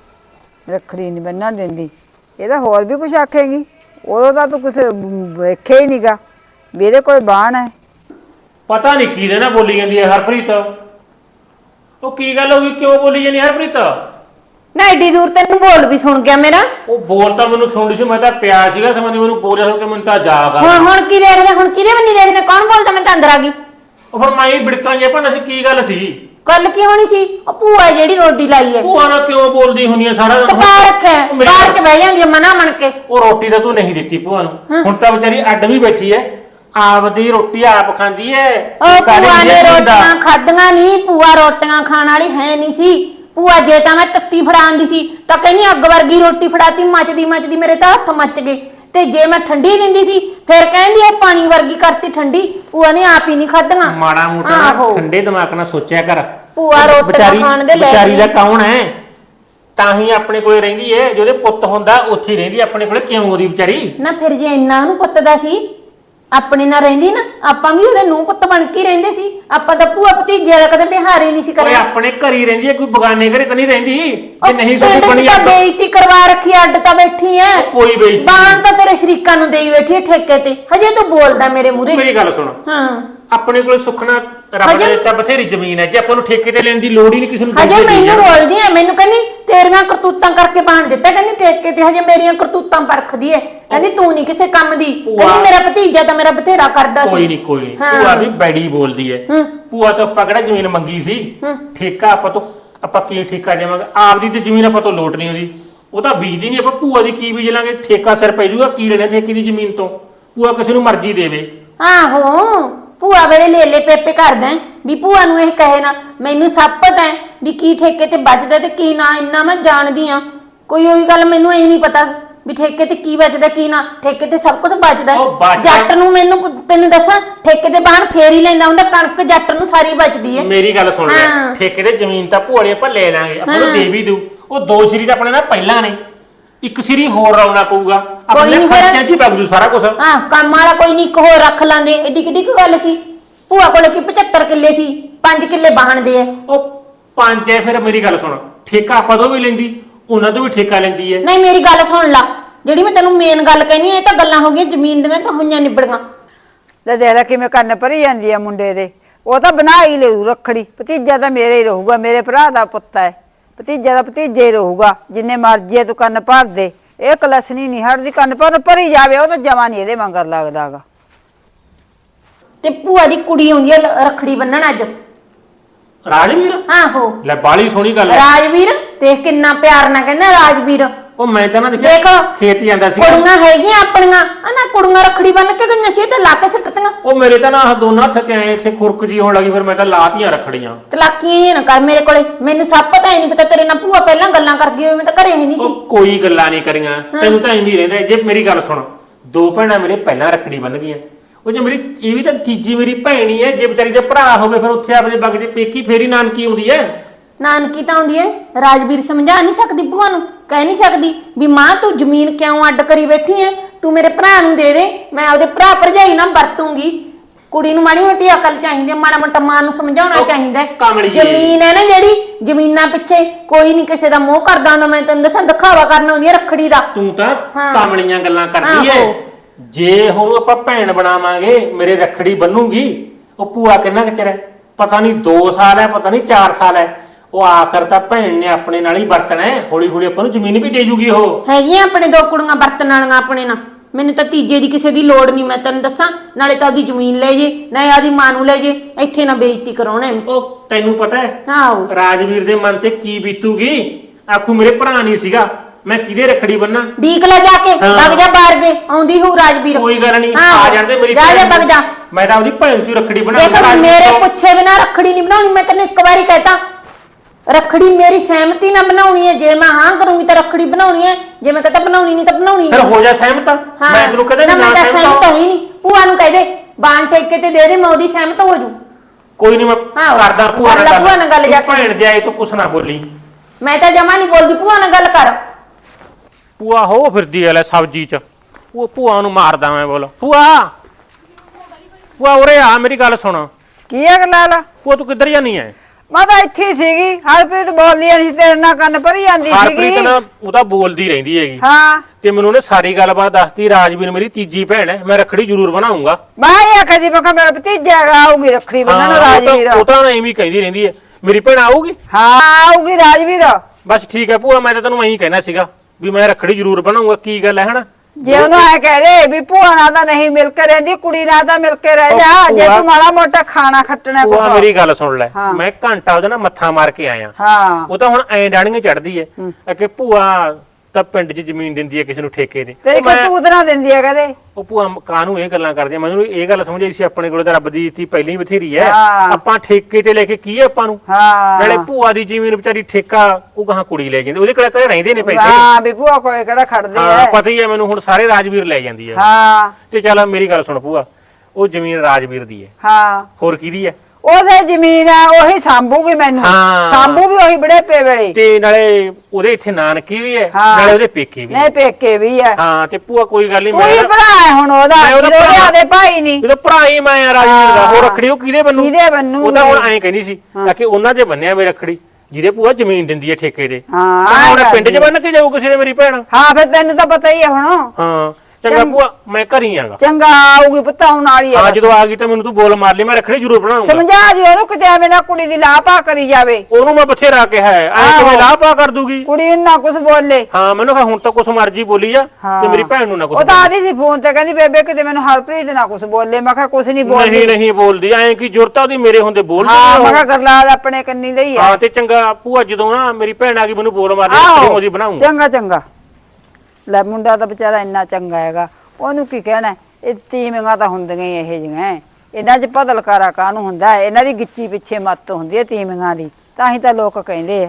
Speaker 1: ਰੱਖੜੀ ਨਹੀਂ ਬੰਨਣ ਦਿੰਦੀ। ਇਹਦਾ ਹੋਰ ਵੀ ਕੁਝ ਆਖੇਗੀ? ਉਦੋਂ ਤਾਂ ਤੂੰ ਕੁਛ ਵੇਖਿਆ ਹੀ ਨਹੀਂਗਾ, ਮੇਰੇ ਕੋਲ ਬਾਣ ਹੈ।
Speaker 3: ਪਤਾ ਨਹੀਂ ਕਿਹਦੇ ਨਾਲ ਬੋਲੀ ਜਾਂਦੀ ਹੈ ਹਰਪ੍ਰੀਤ। ਉਹ ਕੀ ਗੱਲ ਹੋ ਗਈ, ਕਿਉਂ ਬੋਲੀ ਜਾਂਦੀ ਹਰਪ੍ਰੀਤ?
Speaker 2: ਨਾ ਐਡੀ ਦੂਰ ਤੈਨੂੰ ਬੋਲ ਵੀ ਸੁਣ ਗਿਆ ਮੇਰਾ?
Speaker 3: ਉਹ ਬੋਲ ਤਾਂ ਮੈਨੂੰ ਸੁਣ ਲਈ ਸੀ, ਮੈਂ ਤਾਂ ਪਿਆ ਸੀਗਾ ਸਮਝੀ, ਮੈਨੂੰ ਬੋਲਿਆ ਸੁਣ ਕੇ ਮੈਨੂੰ ਤਾਂ ਜਾਗ ਆ ਗਈ।
Speaker 2: ਹੁਣ ਕੀ ਦੇਖਦੇ? ਹੁਣ ਕਿਹਦੇ ਬੰਨੀ ਦੇਖਦੇ? ਕੌਣ ਬੋਲਦਾ? ਮੈਂ ਤਾਂ ਅੰਦਰ ਆ ਗਈ।
Speaker 3: ਉਹ ਫਿਰ ਮੈਂ ਹੀ ਬਿੜਕਾਂ ਜੇ ਭੰਨ ਸੀ, ਕੀ ਗੱਲ ਸੀ?
Speaker 2: ਕੱਲ ਕੀ ਹੋਣੀ ਸੀ? ਉਹ ਭੂਆ ਜਿਹੜੀ ਰੋਟੀ ਲਾਈ ਹੈ,
Speaker 3: ਭੂਆ ਨਾਲ ਕਿਉਂ ਬੋਲਦੀ ਹੁੰਦੀ ਹੈ ਸਾਰਾ ਦਿਨ?
Speaker 2: ਪਕਾ ਰੱਖਿਆ ਬਾਹਰ ਚ ਬਹਿ ਜਾਂਦੀ ਹੈ ਮਨਾ ਮਣ ਕੇ।
Speaker 3: ਉਹ ਰੋਟੀ ਤਾਂ ਤੂੰ ਨਹੀਂ ਦਿੱਤੀ ਭੂਆ ਨੂੰ, ਹੁਣ ਤਾਂ ਵਿਚਾਰੀ ਅੱਡ ਵੀ ਬੈਠੀ ਹੈ, ਆਪਦੀ ਰੋਟੀ ਆਪ ਖਾਂਦੀ ਹੈ।
Speaker 2: ਉਹ ਭੂਆ ਨੇ ਰੋਟੀਆਂ ਖਾਧੀਆਂ ਨਹੀਂ, ਭੂਆ ਰੋਟੀਆਂ ਖਾਣ ਵਾਲੀ ਹੈ ਨਹੀਂ ਸੀ। ਭੂਆ ਜੇ ਤਾਂ ਮੈਂ ਤੱਤੀ ਫੜਾਉਂਦੀ ਸੀ ਤਾਂ ਕਹਿੰਦੀ ਅੱਗ ਵਰਗੀ ਰੋਟੀ ਫੜਾਤੀ, ਮੱਚਦੀ ਮੱਚਦੀ ਮੇਰੇ ਤਾਂ ਹੱਥ ਮੱਚ ਗਏ। ਤੇ ਜੇ ਮੈਂ ਠੰਡੀ ਦਿੰਦੀ ਸੀ ਫਿਰ ਕਹਿੰਦੀ ਇਹ ਪਾਣੀ ਵਰਗੀ ਕਰਤੀ ਠੰਡੀ। ਭੂਆ ਨੇ ਆਪ ਹੀ ਨਹੀਂ ਖਾਧੀਆਂ।
Speaker 3: ਮਾੜਾ ਮੋਟਾ ਠੰਡੇ ਦਿਮਾਗ ਨਾਲ ਸੋਚਿਆ ਕਰ।
Speaker 2: ਭੂਆ ਰੋਟੀ ਖਾਣ ਦੇ ਲੈ
Speaker 3: ਵਿਚਾਰੀ ਦਾ ਕੌਣ ਹੈ? ਤਾਂ ਹੀ ਆਪਣੇ ਕੋਲੇ ਰਹਿੰਦੀ ਹੈ, ਜਿਹਦੇ ਪੁੱਤ ਹੁੰਦਾ ਉੱਥੇ ਹੀ ਰਹਿੰਦੀ ਆਪਣੇ ਕੋਲੇ। ਕਿਉਂ ਉਹਦੀ ਵਿਚਾਰੀ
Speaker 2: ਨਾ ਫਿਰ ਜੇ ਇੰਨਾ ਉਹਨੂੰ ਪੁੱਤ ਦਾ ਸੀ, ਆਪਣੇ ਨਾਲ ਰਹਿੰਦੀ ਨਾ, ਆਪਾਂ ਵੀ ਉਹਦੇ ਨੂੰ ਪੁੱਤ ਬਣ ਕੇ ਰਹਿੰਦੇ ਸੀ। ਆਪਾਂ ਤਾਂ ਭੂਆ ਭਤੀਜੇ ਦਾ ਕਦੇ ਬਿਹਾਰੇ ਨਹੀਂ ਸੀ ਕਰਿਆ।
Speaker 3: ਆਪਣੇ ਘਰ ਹੀ ਰਹਿੰਦੀ ਹੈ, ਕੋਈ ਬਗਾਨੇ ਘਰੇ ਤਾਂ ਨਹੀਂ ਰਹਿੰਦੀ। ਜੇ ਨਹੀਂ ਸੋਚੀ ਬਣੀ
Speaker 2: ਤਾਂ ਬੇਇੱਜ਼ਤੀ ਕਰਵਾ ਰੱਖੀ, ਅੱਡ ਤਾਂ ਬੈਠੀ ਐ।
Speaker 3: ਕੋਈ ਬੇਇੱਜ਼ਤੀ
Speaker 2: ਬਾਣ ਤਾਂ ਤੇਰੇ ਸ਼ਰੀਕਾਂ ਨੂੰ ਦੇਈ ਬੈਠੀ ਐ ਠੇਕੇ ਤੇ। ਹਜੇ ਤੂੰ ਬੋਲਦਾ ਮੇਰੇ ਮੂਹਰੇ।
Speaker 3: ਮੇਰੀ ਗੱਲ ਸੁਣ,
Speaker 2: ਹਾਂ
Speaker 3: ਆਪਣੇ ਕੋਲ ਸੁਖਣਾ ਰੱਬ ਨੇ ਦਿੱਤਾ ਬਥੇਰੀ ਜ਼ਮੀਨ ਹੈ, ਜੇ ਆਪਾਂ ਨੂੰ ਠੇਕੇ ਤੇ ਲੈਣ ਦੀ ਲੋੜ ਹੀ ਨਹੀਂ ਕਿਸੇ ਨੂੰ।
Speaker 2: ਹਜੇ ਮੈਨੂੰ ਬੋਲਦੀ ਐ, ਮੈਨੂੰ ਕਹਿੰਦੀ ਤੇਰੀਆਂ ਕਰਤੂਤਾਂ ਕਰਕੇ ਬਾਣ ਦਿੱਤਾ, ਕਹਿੰਦੀ ਠੇਕੇ ਤੇ ਹਜੇ ਮੇਰੀਆਂ ਕਰਤੂਤਾਂ ਪਰਖਦੀ ਐ। ਕਹਿੰਦੀ ਤੂੰ ਨਹੀਂ ਕਿਸੇ ਕੰਮ ਦੀ, ਕਹਿੰਦੀ ਮੇਰਾ ਭਤੀਜਾ ਤਾਂ ਮੇਰਾ ਬਥੇਰਾ ਕਰਦਾ ਸੀ।
Speaker 3: ਕੋਈ ਨਹੀਂ ਕੋਈ ਨਹੀਂ, ਭੂਆ ਵੀ ਬੈੜੀ ਬੋਲਦੀ ਐ। ਭੂਆ ਤੋਂ ਆਪਾਂ ਕਿਹੜਾ ਜ਼ਮੀਨ ਮੰਗੀ ਸੀ? ਠੇਕਾ ਆਪਾਂ ਕੀ ਠੇਕਾ ਦੇਵਾਂਗੇ? ਆਪਦੀ ਤੇ ਜ਼ਮੀਨ ਆਪਾਂ ਤੋਂ ਲੋਟ ਨਹੀਂ ਆਉਂਦੀ, ਉਹ ਤਾਂ ਬੀਜਦੀ ਨਹੀਂ। ਆਪਾਂ ਭੂਆ ਦੀ ਕੀ ਬੀਜ ਲਾਂਗੇ? ਠੇਕਾ ਸਿਰ ਪੈ ਜਾਊਗਾ, ਕੀ ਲੈਣਾ ਠੇਕੇ ਦੀ ਜ਼ਮੀਨ ਤੋਂ? ਭੂਆ ਕਿਸੇ ਨੂੰ ਮਰਜ਼ੀ ਦੇਵੇ।
Speaker 2: ਆਹੋ, ਭੂਆ ਵੇਲੇ ਲੇਲੇ ਪੇਪੇ ਕਰਦਾ ਵੀ ਭੂਆ ਨੂੰ ਇਹ ਕਹੇ ਨਾ। ਮੈਨੂੰ ਸਭ ਪਤਾ ਹੈ ਵੀ ਕੀ ਠੇਕੇ ਤੇ ਬਚਦਾ ਤੇ ਕੀ ਨਾ, ਇੰਨਾ ਮੈਂ ਜਾਣਦੀ ਆ। ਕੋਈ ਉਹੀ ਗੱਲ ਮੈਨੂੰ ਇਹ ਨਹੀਂ ਪਤਾ ਵੀ ਠੇਕੇ ਤੇ ਕੀ ਬਚਦਾ ਕੀ ਨਾ। ਠੇਕੇ ਤੇ ਸਭ ਕੁਝ ਬਚਦਾ। ਜੱਟ ਨੂੰ, ਮੈਨੂੰ ਤੈਨੂੰ ਦੱਸਾਂ, ਠੇਕੇ ਤੇ ਬਾਣ ਫੇਰ ਹੀ ਲੈਂਦਾ ਹੁੰਦਾ, ਕਣਕ ਜੱਟ ਨੂੰ ਸਾਰੀ ਬਚਦੀ ਹੈ।
Speaker 3: ਮੇਰੀ ਗੱਲ ਸੁਣ ਲੈ, ਠੇਕੇ ਤੇ ਜ਼ਮੀਨ ਤਾਂ ਭੂਆ ਵਾਲੀ ਆਪਾਂ ਲੈ ਲਾਂਗੇ, ਆਪਾਂ ਨੂੰ ਦੇ ਵੀ ਦੂ। ਉਹ ਦੋ ਸ਼ਰੀ ਤਾਂ ਆਪਣੇ ਨਾਲ ਪਹਿਲਾਂ ਨੇ, ਇੱਕ ਸਿਰੀ ਹੋਰ ਲਾਉਣਾ ਪਊਗਾ ਆਪਣੇ
Speaker 2: ਨੀ ਫਿਰ।
Speaker 3: ਖਰਚਿਆਂ 'ਚ ਹੀ ਬਗਜੂ ਸਾਰਾ ਕੁਝ।
Speaker 2: ਹਾਂ ਕੰਮ ਵਾਲਾ ਕੋਈ ਨਹੀਂ, ਇੱਕ ਹੋਰ ਰੱਖ ਲਾਂਦੇ, ਏਡੀ ਕਿੱਡੀ ਕੁ ਗੱਲ ਸੀ। ਭੂਆ ਕੋਲੇ ਕੀ 75 ਕਿੱਲੇ ਸੀ, 5 ਕਿੱਲੇ ਬਾਹਣਦੇ ਐ।
Speaker 3: ਉਹ ਪੰਜ ਐ, ਫਿਰ ਮੇਰੀ ਗੱਲ ਸੁਣ, ਠੇਕਾ ਆਪਾਂ ਤੋਂ ਵੀ ਲੈਂਦੀ, ਉਹਨਾਂ ਤੋਂ ਵੀ ਠੇਕਾ ਲੈਂਦੀ ਐ।
Speaker 2: ਨਹੀਂ ਮੇਰੀ ਗੱਲ ਸੁਣ ਲਾ, ਜਿਹੜੀ ਮੈਂ ਤੈਨੂੰ ਮੇਨ ਗੱਲ ਕਹਿਨੀ ਐ, ਇਹ ਤਾਂ ਗੱਲਾਂ ਹੋ ਗਈਆਂ ਜ਼ਮੀਨ ਦੀਆਂ, ਤਾਂ ਹੋਈਆਂ ਨਿਬੜੀਆਂ।
Speaker 1: ਲੈ ਦੇਖ ਲੈ ਕਿਵੇਂ ਕੰਨ ਭਰੀ ਜਾਂਦੀ ਆ ਮੁੰਡੇ ਦੇ। ਉਹ ਤਾਂ ਬਣਾ ਹੀ ਲਿਓ ਰੱਖੜੀ, ਭਤੀਜਾ ਤਾਂ ਮੇਰੇ ਹੀ ਰਹੂਗਾ, ਮੇਰੇ ਭਰਾ ਦਾ ਪੁੱਤ ਹੈ, ਭਤੀਜਾ ਦਾ ਭਤੀਜੇ ਹੀ ਰਹੂਗਾ। ਜਿੰਨੇ ਮਰਜ਼ੀ ਤੂੰ ਕੰਨ ਭਰ ਦੇ, ਇਹ ਕਲਸਣੀ ਨਹੀਂ ਹਟਦੀ, ਕੰਨ ਭਰੀ ਜਾਵੇ, ਉਹ ਤਾਂ ਜਮਾ ਨਹੀਂ ਇਹਦੇ ਮਗਰ ਲੱਗਦਾਗਾ।
Speaker 2: ਤੇ ਭੂਆ ਦੀ ਕੁੜੀ ਆਉਂਦੀ ਐ ਰੱਖੜੀ ਬੰਨਣ ਅੱਜ।
Speaker 3: ਰਾਜਵੀਰ?
Speaker 2: ਆਹੋ
Speaker 3: ਲੈ ਬਾਲੀ ਸੋਹਣੀ ਗੱਲ ਹੈ।
Speaker 2: ਰਾਜਵੀਰ ਦੇਖ ਕਿੰਨਾ ਪਿਆਰ ਨਾਲ ਕਹਿੰਦਾ ਰਾਜਵੀਰ।
Speaker 3: ਉਹ ਮੈਂ ਤਾਂ ਨਾ
Speaker 2: ਦੇਖ
Speaker 3: ਦੇਖਿਆ ਖੇਤ ਜਾਂਦਾ ਸੀ।
Speaker 2: ਕੁੜੀਆਂ ਹੈਗੀਆਂ ਆਪਣੀਆਂ, ਆ ਨਾ ਕੁੜੀਆਂ ਰੱਖੜੀ ਬੰਨ ਕੇ ਗਈਆਂ ਸੀ ਤੇ ਲਾ ਕੇ ਸਿੱਟਤੀਆਂ।
Speaker 3: ਉਹ ਮੇਰੇ ਤਾਂ ਨਾ ਆਹ ਦੋਨਾਂ ਹੱਥ ਤੇ ਆਏ ਇੱਥੇ ਖੁਰਕ ਜੀ ਹੋਣ ਲੱਗੀ, ਫਿਰ ਮੈਂ ਤਾਂ ਲਾਤੀਆਂ ਰੱਖੜੀਆਂ।
Speaker 2: ਤਲਾਕੀਆਂ ਹੀ ਨਾ ਕਰ ਮੇਰੇ ਕੋਲੇ, ਮੈਨੂੰ ਸਭ ਪਤਾ ਹੀ ਨਹੀਂ ਪਤਾ ਤੇਰੇ ਨਾਲ ਭੂਆ ਪਹਿਲਾਂ ਗੱਲਾਂ ਕਰਦੀ ਹੋਵੇ, ਮੈਂ ਤਾਂ ਘਰੇ ਹੀ ਨਹੀਂ ਸੀ।
Speaker 3: ਉਹ ਕੋਈ ਗੱਲਾਂ ਨਹੀਂ ਕਰੀਆਂ, ਤੈਨੂੰ ਤਾਂ ਐਵੇਂ ਹੀ ਰਹਿੰਦਾ। ਜੇ ਮੇਰੀ ਗੱਲ ਸੁਣ, ਦੋ ਭੈਣਾਂ ਮੇਰੇ ਪਹਿਲਾਂ ਰੱਖੜੀ ਬੰਨ ਗਈਆਂ, ਉਹ ਜੇ ਮੇਰੀ ਇਹ ਵੀ ਤਾਂ ਤੀਜੀ ਮੇਰੀ ਭੈਣ ਹੀ ਹੈ। ਜੇ ਵਿਚਾਰੀ ਦੇ ਭਰਾ ਹੋਵੇ ਫਿਰ ਉੱਥੇ ਆਪਦੇ ਬਗ ਦੇ ਪੇਕੀ ਫੇਰੀ ਨਾਨਕੀ ਆਉਂਦੀ ਹੈ।
Speaker 2: ਨਾਨਕੀ ਤਾਂ ਆਉਂਦੀ ਐ, ਰਾਜਵੀਰ ਸਮਝਾ ਨਹੀਂ ਸਕਦੀ ਭੂਆ ਨੂੰ, ਕਹਿ ਨਹੀਂ ਸਕਦੀ ਵੀ ਮਾਂ ਤੂੰ ਜ਼ਮੀਨ ਕਿਉਂ ਅੱਡ ਕਰੀ ਬੈਠੀ ਐ, ਤੂੰ ਮੇਰੇ ਭਰਾ ਨੂੰ ਦੇ ਦੇ, ਮੈਂ ਆਪਦੇ ਭਰਾ ਭਰਜਾਈ ਨਾਲ ਵਰਤੂੰਗੀ। ਕੁੜੀ ਨੂੰ ਮਾੜੀ ਮੋਟੀ ਅਕਲ ਚਾਹੀਦੀ, ਮਾੜਾ ਮੋਟਾ ਮਾਂ ਨੂੰ ਸਮਝਾਉਣਾ ਚਾਹੀਦਾ। ਜ਼ਮੀਨ ਹੈ ਨਾ ਜਿਹੜੀ, ਜ਼ਮੀਨਾਂ ਪਿੱਛੇ ਕੋਈ ਨਹੀਂ ਕਿਸੇ ਦਾ ਮੋਹ ਕਰਦਾ ਹੁੰਦਾ। ਮੈਂ ਤੈਨੂੰ ਦੱਸਾਂ, ਦਿਖਾਵਾ ਕਰਨ ਆਉਂਦੀ ਐ ਰੱਖੜੀ ਦਾ।
Speaker 3: ਤੂੰ ਤਾਂ ਕਾਮਲੀਆਂ ਗੱਲਾਂ ਕਰਦੀ ਐ। ਜੇ ਹੁਣ ਆਪਾਂ ਭੈਣ ਬਣਾਵਾਂਗੇ, ਮੇਰੇ ਰੱਖੜੀ ਬੰਨੂਗੀ, ਉਹ ਭੂਆ ਕਿੰਨਾ ਕੁ ਚਿਰ ਹੈ, ਪਤਾ ਨਹੀਂ 2 ਸਾਲ ਹੈ, ਪਤਾ ਨਹੀਂ 4 ਸਾਲ ਹੈ। ਉਹ ਆਖਰ ਤਾਂ ਭੈਣ ਨੇ ਆਪਣੇ ਨਾਲ ਹੀ ਵਰਤਣਾ ਹੈ, ਹੌਲੀ ਹੌਲੀ ਆਪਾਂ ਨੂੰ ਜ਼ਮੀਨ ਵੀ ਦੇ ਜੂਗੀ। ਉਹ
Speaker 2: ਹੈਗੀਆਂ ਆਪਣੇ 2 ਕੁੜੀਆਂ ਵਰਤਣ ਵਾਲੀਆਂ ਆਪਣੇ ਨਾਲ, ਮੈਨੂੰ ਤਾਂ ਤੀਜੇ ਦੀ ਕਿਸੇ ਦੀ ਲੋੜ ਨਹੀਂ। ਮੈਂ ਤੈਨੂੰ ਦੱਸਾਂ, ਨਾਲੇ ਤਾਂ ਉਹਦੀ ਜ਼ਮੀਨ ਲੈ ਜੇ, ਨਾਲੇ ਆਦੀ ਮਾਂ ਨੂੰ ਲੈ ਜੇ, ਇੱਥੇ ਨਾ ਬੇਇੱਜ਼ਤੀ ਕਰਾਉਣਾ।
Speaker 3: ਉਹ ਤੈਨੂੰ ਪਤਾ ਹੈ
Speaker 2: ਆਹੋ
Speaker 3: ਰਾਜਵੀਰ ਦੇ ਮਨ ਤੇ ਕੀ ਬੀਤੂਗੀ? ਆਖੂ ਮੇਰੇ ਭਰਾ ਨਹੀਂ ਸੀਗਾ, ਮੈਂ ਕਿਹਦੇ ਰੱਖੜੀ ਬੰਨਾ?
Speaker 2: ਡੀਕ ਲੈ ਜਾ ਕੇ, ਵਗ ਜਾ ਬਾਹਰ ਗਏ, ਆਉਂਦੀ ਹੋਊ ਰਾਜਵੀਰ।
Speaker 3: ਕੋਈ ਗੱਲ ਨਹੀਂ, ਆ ਜਾਂਦੇ ਮੇਰੀ
Speaker 2: ਜਾ ਜਾ ਵਗ ਜਾ।
Speaker 3: ਮੈਂ ਤਾਂ ਉਹਦੀ ਭੈਣ ਤੋਂ ਰੱਖੜੀ ਬਣਾ
Speaker 2: ਦੇਖ ਮੇਰੇ ਪੁੱਛੇ ਬਿਨਾ ਰੱਖੜੀ ਨਹੀਂ ਬਣਾਉਣੀ। ਮੈਂ ਤੈਨੂੰ ਇੱਕ ਵਾਰੀ ਕਹਿਤਾ, ਰੱਖੜੀ ਮੇਰੀ ਸਹਿਮਤੀ ਨਾਲ ਬਣਾਉਣੀ ਹੈ। ਜੇ ਮੈਂ ਹਾਂ ਕਰੂੰਗੀ ਤਾਂ ਰੱਖੜੀ ਬਣਾਉਣੀ ਹੈ, ਜੇ ਮੈਂ ਕਹਤਾ ਬਣਾਉਣੀ ਨਹੀਂ ਤਾਂ ਬਣਾਉਣੀ ਨਹੀਂ।
Speaker 3: ਫਿਰ ਹੋ ਜਾ ਸਹਿਮਤ। ਮੈਂ ਤੈਨੂੰ ਕਦੇ
Speaker 2: ਨਾ,
Speaker 3: ਨਾ
Speaker 2: ਮੈਂ ਤਾਂ ਸਹਿਮਤ
Speaker 3: ਸਹਿਮਤ
Speaker 2: ਹੋਈ ਨਹੀਂ। ਭੂਆ ਨੂੰ ਕਹਿ ਦੇ ਬਾਣ ਠੇਕੇ ਤੇ ਦੇ ਦੇ, ਮੈਂ ਉਹਦੀ ਸਹਿਮਤ ਹੋ ਜੂ।
Speaker 3: ਕੋਈ ਨਹੀਂ, ਮੈਂ ਕਰਦਾ ਭੂਆ
Speaker 2: ਨਾਲ ਗੱਲ ਜਾ ਕੇ।
Speaker 3: ਭੈਣ ਦੇ ਆਏ ਤੂੰ ਕੁਛ ਨਾ ਬੋਲੀ।
Speaker 2: ਮੈਂ ਤਾਂ ਜਮਾ ਨਹੀਂ ਬੋਲਦੀ, ਭੂਆ ਨਾਲ ਗੱਲ ਕਰ।
Speaker 3: ਭੂਆ ਹੋ ਫਿਰਦੀ ਐ ਲੈ ਸਬਜੀ ਚ, ਉਹ ਭੂਆ ਨੂੰ ਮਾਰਦਾ ਮੈਂ। ਬੋਲ ਭੂਆ, ਭੂਆ ਉਰੇ ਆ, ਮੇਰੀ ਗੱਲ ਸੁਣ।
Speaker 1: ਕੀ ਹੈ ਲਾਲਾ?
Speaker 3: ਭੂਆ ਤੂੰ ਕਿੱਧਰ ਜਾਨੀ ਐ?
Speaker 1: ਮੈਂ ਤਾਂ ਇੱਥੇ ਹੀ ਸੀਗੀ, ਹਰਪ੍ਰੀਤ ਬੋਲਦੀ ਸੀ ਤੇਰੇ ਨਾਲ, ਕੰਨ ਭਰੀ ਜਾਂਦੀ ਸੀਗੀ।
Speaker 3: ਹਰਪ੍ਰੀਤ ਨਾ ਉਹ ਤਾਂ ਬੋਲਦੀ ਰਹਿੰਦੀ ਹੈਗੀ।
Speaker 1: ਹਾਂ
Speaker 3: ਤੇ ਮੈਨੂੰ ਉਹਨੇ ਸਾਰੀ ਗੱਲਬਾਤ ਦੱਸਤੀ। ਰਾਜਵੀਰ ਮੇਰੀ ਤੀਜੀ ਭੈਣ ਹੈ, ਮੈਂ ਰੱਖੜੀ ਜ਼ਰੂਰ ਬਣਾਉਂਗਾ।
Speaker 1: ਮੈਂ ਇਹ ਆਖਿਆ ਜੀ, ਮੈਂ ਕਿਹਾ ਮੇਰਾ ਭਤੀਜਾ ਆਊਗੀ ਰੱਖੜੀ ਬੰਨਣ, ਰਾਜਵੀਰ।
Speaker 3: ਉਹ ਤਾਂ ਐਵੇਂ ਕਹਿੰਦੀ ਰਹਿੰਦੀ ਹੈ, ਮੇਰੀ ਭੈਣ ਆਊਗੀ।
Speaker 1: ਹਾਂ ਆਊਗੀ ਰਾਜਵੀਰ।
Speaker 3: ਬਸ ਠੀਕ ਹੈ ਭੂਆ, ਮੈਂ ਤਾਂ ਤੈਨੂੰ ਇਹੀ ਕਹਿਣਾ ਸੀਗਾ ਵੀ ਮੈਂ ਰੱਖੜੀ ਜ਼ਰੂਰ ਬਣਾਉਂਗਾ। ਕੀ ਗੱਲ ਹੈ ਹਨਾ?
Speaker 1: ਜੇ ਉਹਨੂੰ ਐ ਕਹਿ ਦੇ ਵੀ ਭੂਆ ਨਾਲ ਤਾਂ ਨਹੀਂ ਮਿਲ ਕੇ ਰਹਿੰਦੀ, ਕੁੜੀ ਨਾਲ ਤਾਂ ਮਿਲ ਕੇ ਰਹਿ ਜਾ। ਜੇ ਤੂੰ ਮਾੜਾ ਮੋਟਾ ਖਾਣਾ ਖੱਟਣਾ
Speaker 3: ਭੂਆ
Speaker 1: ਕੁਛ।
Speaker 3: ਮੇਰੀ ਗੱਲ ਸੁਣ ਲੈ, ਮੈਂ ਘੰਟਾ ਉਹਦੇ ਨਾਲ ਮੱਥਾ ਮਾਰ ਕੇ ਆਇਆ।
Speaker 1: ਹਾਂ
Speaker 3: ਉਹ ਤਾਂ ਹੁਣ ਐਂ ਡਾਣੀਆਂ ਚੜਦੀ ਐ ਕਿ ਭੂਆ ਤਾਂ ਪਿੰਡ 'ਚ ਜ਼ਮੀਨ ਦਿੰਦੀ ਹੈ ਕਿਸੇ ਨੂੰ ਠੇਕੇ ਤੇ।
Speaker 1: ਤੇਰੀ ਕਰਤੂਤ ਨਾ ਦਿੰਦੀ ਆ ਕਦੇ।
Speaker 3: ਉਹ ਭੂਆ ਕਾਹਨੂੰ ਇਹ ਗੱਲਾਂ ਕਰਦੀ ਆ? ਮੈਨੂੰ ਇਹ ਗੱਲ ਸਮਝ ਆਈ ਸੀ, ਆਪਣੇ ਕੋਲ ਤਾਂ ਰੱਬ ਦੀ ਦਿੱਤੀ ਪਹਿਲਾਂ ਹੀ ਬਥੇਰੀ ਐ। ਆਪਾਂ ਠੇਕੇ ਤੇ ਲੈ ਕੇ ਕੀ ਆਪਾਂ ਨੂੰ? ਨਾਲੇ ਭੂਆ ਦੀ ਜ਼ਮੀਨ ਵਿਚਾਰੀ ਠੇਕਾ, ਉਹ ਕਹਾਂ ਕੁੜੀ ਲੈ ਜਾਂਦੀ, ਉਹਦੇ ਕੋਲ ਘਰੇ ਰਹਿੰਦੇ ਨੇ ਪੈਸੇ।
Speaker 1: ਹਾਂ ਵੀ ਭੂਆ ਕੋਲੇ ਕਿਹੜਾ ਖੜਦੇ ਆ।
Speaker 3: ਪਤਾ ਹੀ ਐ ਮੈਨੂੰ, ਹੁਣ ਸਾਰੇ ਰਾਜਵੀਰ ਲੈ ਜਾਂਦੀ ਐ।
Speaker 1: ਹਾਂ
Speaker 3: ਤੇ ਚੱਲ ਮੇਰੀ ਗੱਲ ਸੁਣ ਭੂਆ, ਉਹ ਜ਼ਮੀਨ ਰਾਜਵੀਰ ਦੀ ਐ,
Speaker 1: ਹਾਂ
Speaker 3: ਹੋਰ ਕਿਹਦੀ ਐ?
Speaker 1: ਉਸੇ ਜ਼ਮੀਨ ਆ, ਉਹੀ ਸਾਂਭੂਗੀ ਮੈਨੂੰ, ਸਾਂਭੂਗੀ ਉਹੀ ਬੁਢੇਪੇ ਵੇਲੇ।
Speaker 3: ਤੇ ਨਾਲੇ ਉਹਦੇ ਇੱਥੇ ਨਾਨਕੀ ਵੀ ਐ, ਨਾਲੇ ਉਹਦੇ ਪੇਕੇ ਵੀ।
Speaker 1: ਨਹੀਂ ਪੇਕੇ ਵੀ ਆ।
Speaker 3: ਹਾਂ ਤੇ ਭੂਆ ਕੋਈ ਗੱਲ ਨਹੀਂ,
Speaker 1: ਕੋਈ ਭਰਾ ਹੈ ਹੁਣ ਉਹਦਾ, ਉਹਦੇ ਦੇ ਭਾਈ ਨਹੀਂ।
Speaker 3: ਇਹ ਤਾਂ ਭਰਾ ਹੀ ਮੈਂ ਆ ਰਾਜਵੀਰ ਦਾ। ਹੋਰ ਰੱਖੜੀ ਉਹ ਕਿਹਦੇ ਬੰਨੂ?
Speaker 1: ਕਿਹਦੇ ਬੰਨੂ?
Speaker 3: ਉਹ ਤਾਂ ਹੁਣ ਐਂ ਕਹਿੰਦੀ ਸੀ ਕਿ ਉਹਨਾਂ ਦੇ ਬੰਨਿਆ ਮੇਰੀ ਰੱਖੜੀ, ਜਿਹਦੇ ਭੂਆ ਜ਼ਮੀਨ ਦਿੰਦੀ ਐ ਠੇਕੇ ਤੇ।
Speaker 1: ਹਾਂ
Speaker 3: ਹੁਣ ਪਿੰਡ 'ਚ ਬੰਨ ਕੇ ਜਾਊ ਕਿਸੇ ਨੇ ਮੇਰੀ ਭੈਣ?
Speaker 1: ਹਾਂ ਫਿਰ ਤੈਨੂੰ ਤਾਂ ਪਤਾ ਹੀ ਹੈ ਹੁਣ।
Speaker 3: ਹਾਂ ਚੰਗਾ ਭੂਆ, ਮੈਂ ਘਰ ਹੀ ਆਂਗਾ।
Speaker 1: ਚੰਗਾ ਆਊਗੀ ਪੁੱਤ, ਆਉਣ ਵਾਲੀ ਹੈ।
Speaker 3: ਹਾਂ ਜਦੋਂ ਆ ਗਈ ਤਾਂ ਮੈਨੂੰ ਤੂੰ ਬੋਲ ਮਾਰ ਲਈ, ਮੈਂ ਰੱਖੜੀ ਜ਼ਰੂਰ ਬਣਾਉਂਗਾ।
Speaker 1: ਸਮਝਾ ਜੀ ਉਹਨੂੰ, ਕਿਤੇ ਐਵੇਂ ਨਾ ਕੁੜੀ ਦੀ ਲਾਪਾ ਕਰੀ ਜਾਵੇ।
Speaker 3: ਉਹਨੂੰ ਮੈਂ ਬਥੇਰਾ ਕਿਹਾ ਐ, ਐਂ ਕਿਵੇਂ ਲਾਪਾ ਕਰ ਦੂਗੀ
Speaker 1: ਕੁੜੀ ਨਾ ਕੁਝ ਬੋਲੇ।
Speaker 3: ਹਾਂ ਮੈਨੂੰ ਕਹਾ ਹੁਣ ਤਾਂ ਕੁਛ ਮਰਜ਼ੀ ਬੋਲੀ ਜਾ, ਤੇ ਮੇਰੀ ਭੈਣ ਨੂੰ ਨਾ ਕੁਛ।
Speaker 1: ਉਹ ਤਾਂ ਆਦੀ ਸੀ ਫੋਨ ਤੇ, ਕਹਿੰਦੀ ਬੇਬੇ ਕਿਤੇ ਮੈਨੂੰ ਹਰਪ੍ਰੀਤ ਨਾ ਕੁਝ ਬੋਲੇ। ਮੈਂ ਕਿਹਾ ਕੁਝ ਨਹੀਂ ਬੋਲਦੀ।
Speaker 3: ਨਹੀਂ ਬੋਲਦੀ, ਐਂ ਕੀ ਜ਼ਰੂਰਤ ਆ ਉਹਦੀ ਮੇਰੇ ਹੁੰਦੇ ਬੋਲਦੀ?
Speaker 1: ਹਾਂ ਮੈਂ ਕਿਹਾ ਗਰਲਾਲ ਆਪਣੇ ਕੰਨੀ ਦੇ ਹੀ ਆ।
Speaker 3: ਹਾਂ ਤੇ ਚੰਗਾ ਭੂਆ, ਜਦੋਂ ਨਾ ਮੇਰੀ ਭੈਣ ਆ ਗਈ ਮੈਨੂੰ ਬੋਲ ਮਾਰ ਲਈ, ਉਹਦੀ ਬਣਾਉਂਗਾ।
Speaker 1: ਚੰਗਾ ਚੰਗਾ। ਲੈ ਮੁੰਡਾ ਤਾਂ ਵਿਚਾਰਾ ਇੰਨਾ ਚੰਗਾ ਹੈਗਾ, ਉਹਨੂੰ ਕੀ ਕਹਿਣਾ। ਇਹ ਤੀਵੀਆਂ ਤਾਂ ਹੁੰਦੀਆਂ ਹੀ ਇਹੋ ਜਿਹੀਆਂ, ਇਹਨਾਂ 'ਚ ਬਦਲਕਾਰਾ ਕਾਹਨੂੰ ਹੁੰਦਾ? ਇਹਨਾਂ ਦੀ ਗਿੱਚੀ ਪਿੱਛੇ ਮੱਤ ਹੁੰਦੀ ਹੈ ਤੀਵੀਆਂ ਦੀ, ਤਾਂ ਹੀ ਤਾਂ ਲੋਕ ਕਹਿੰਦੇ ਆ।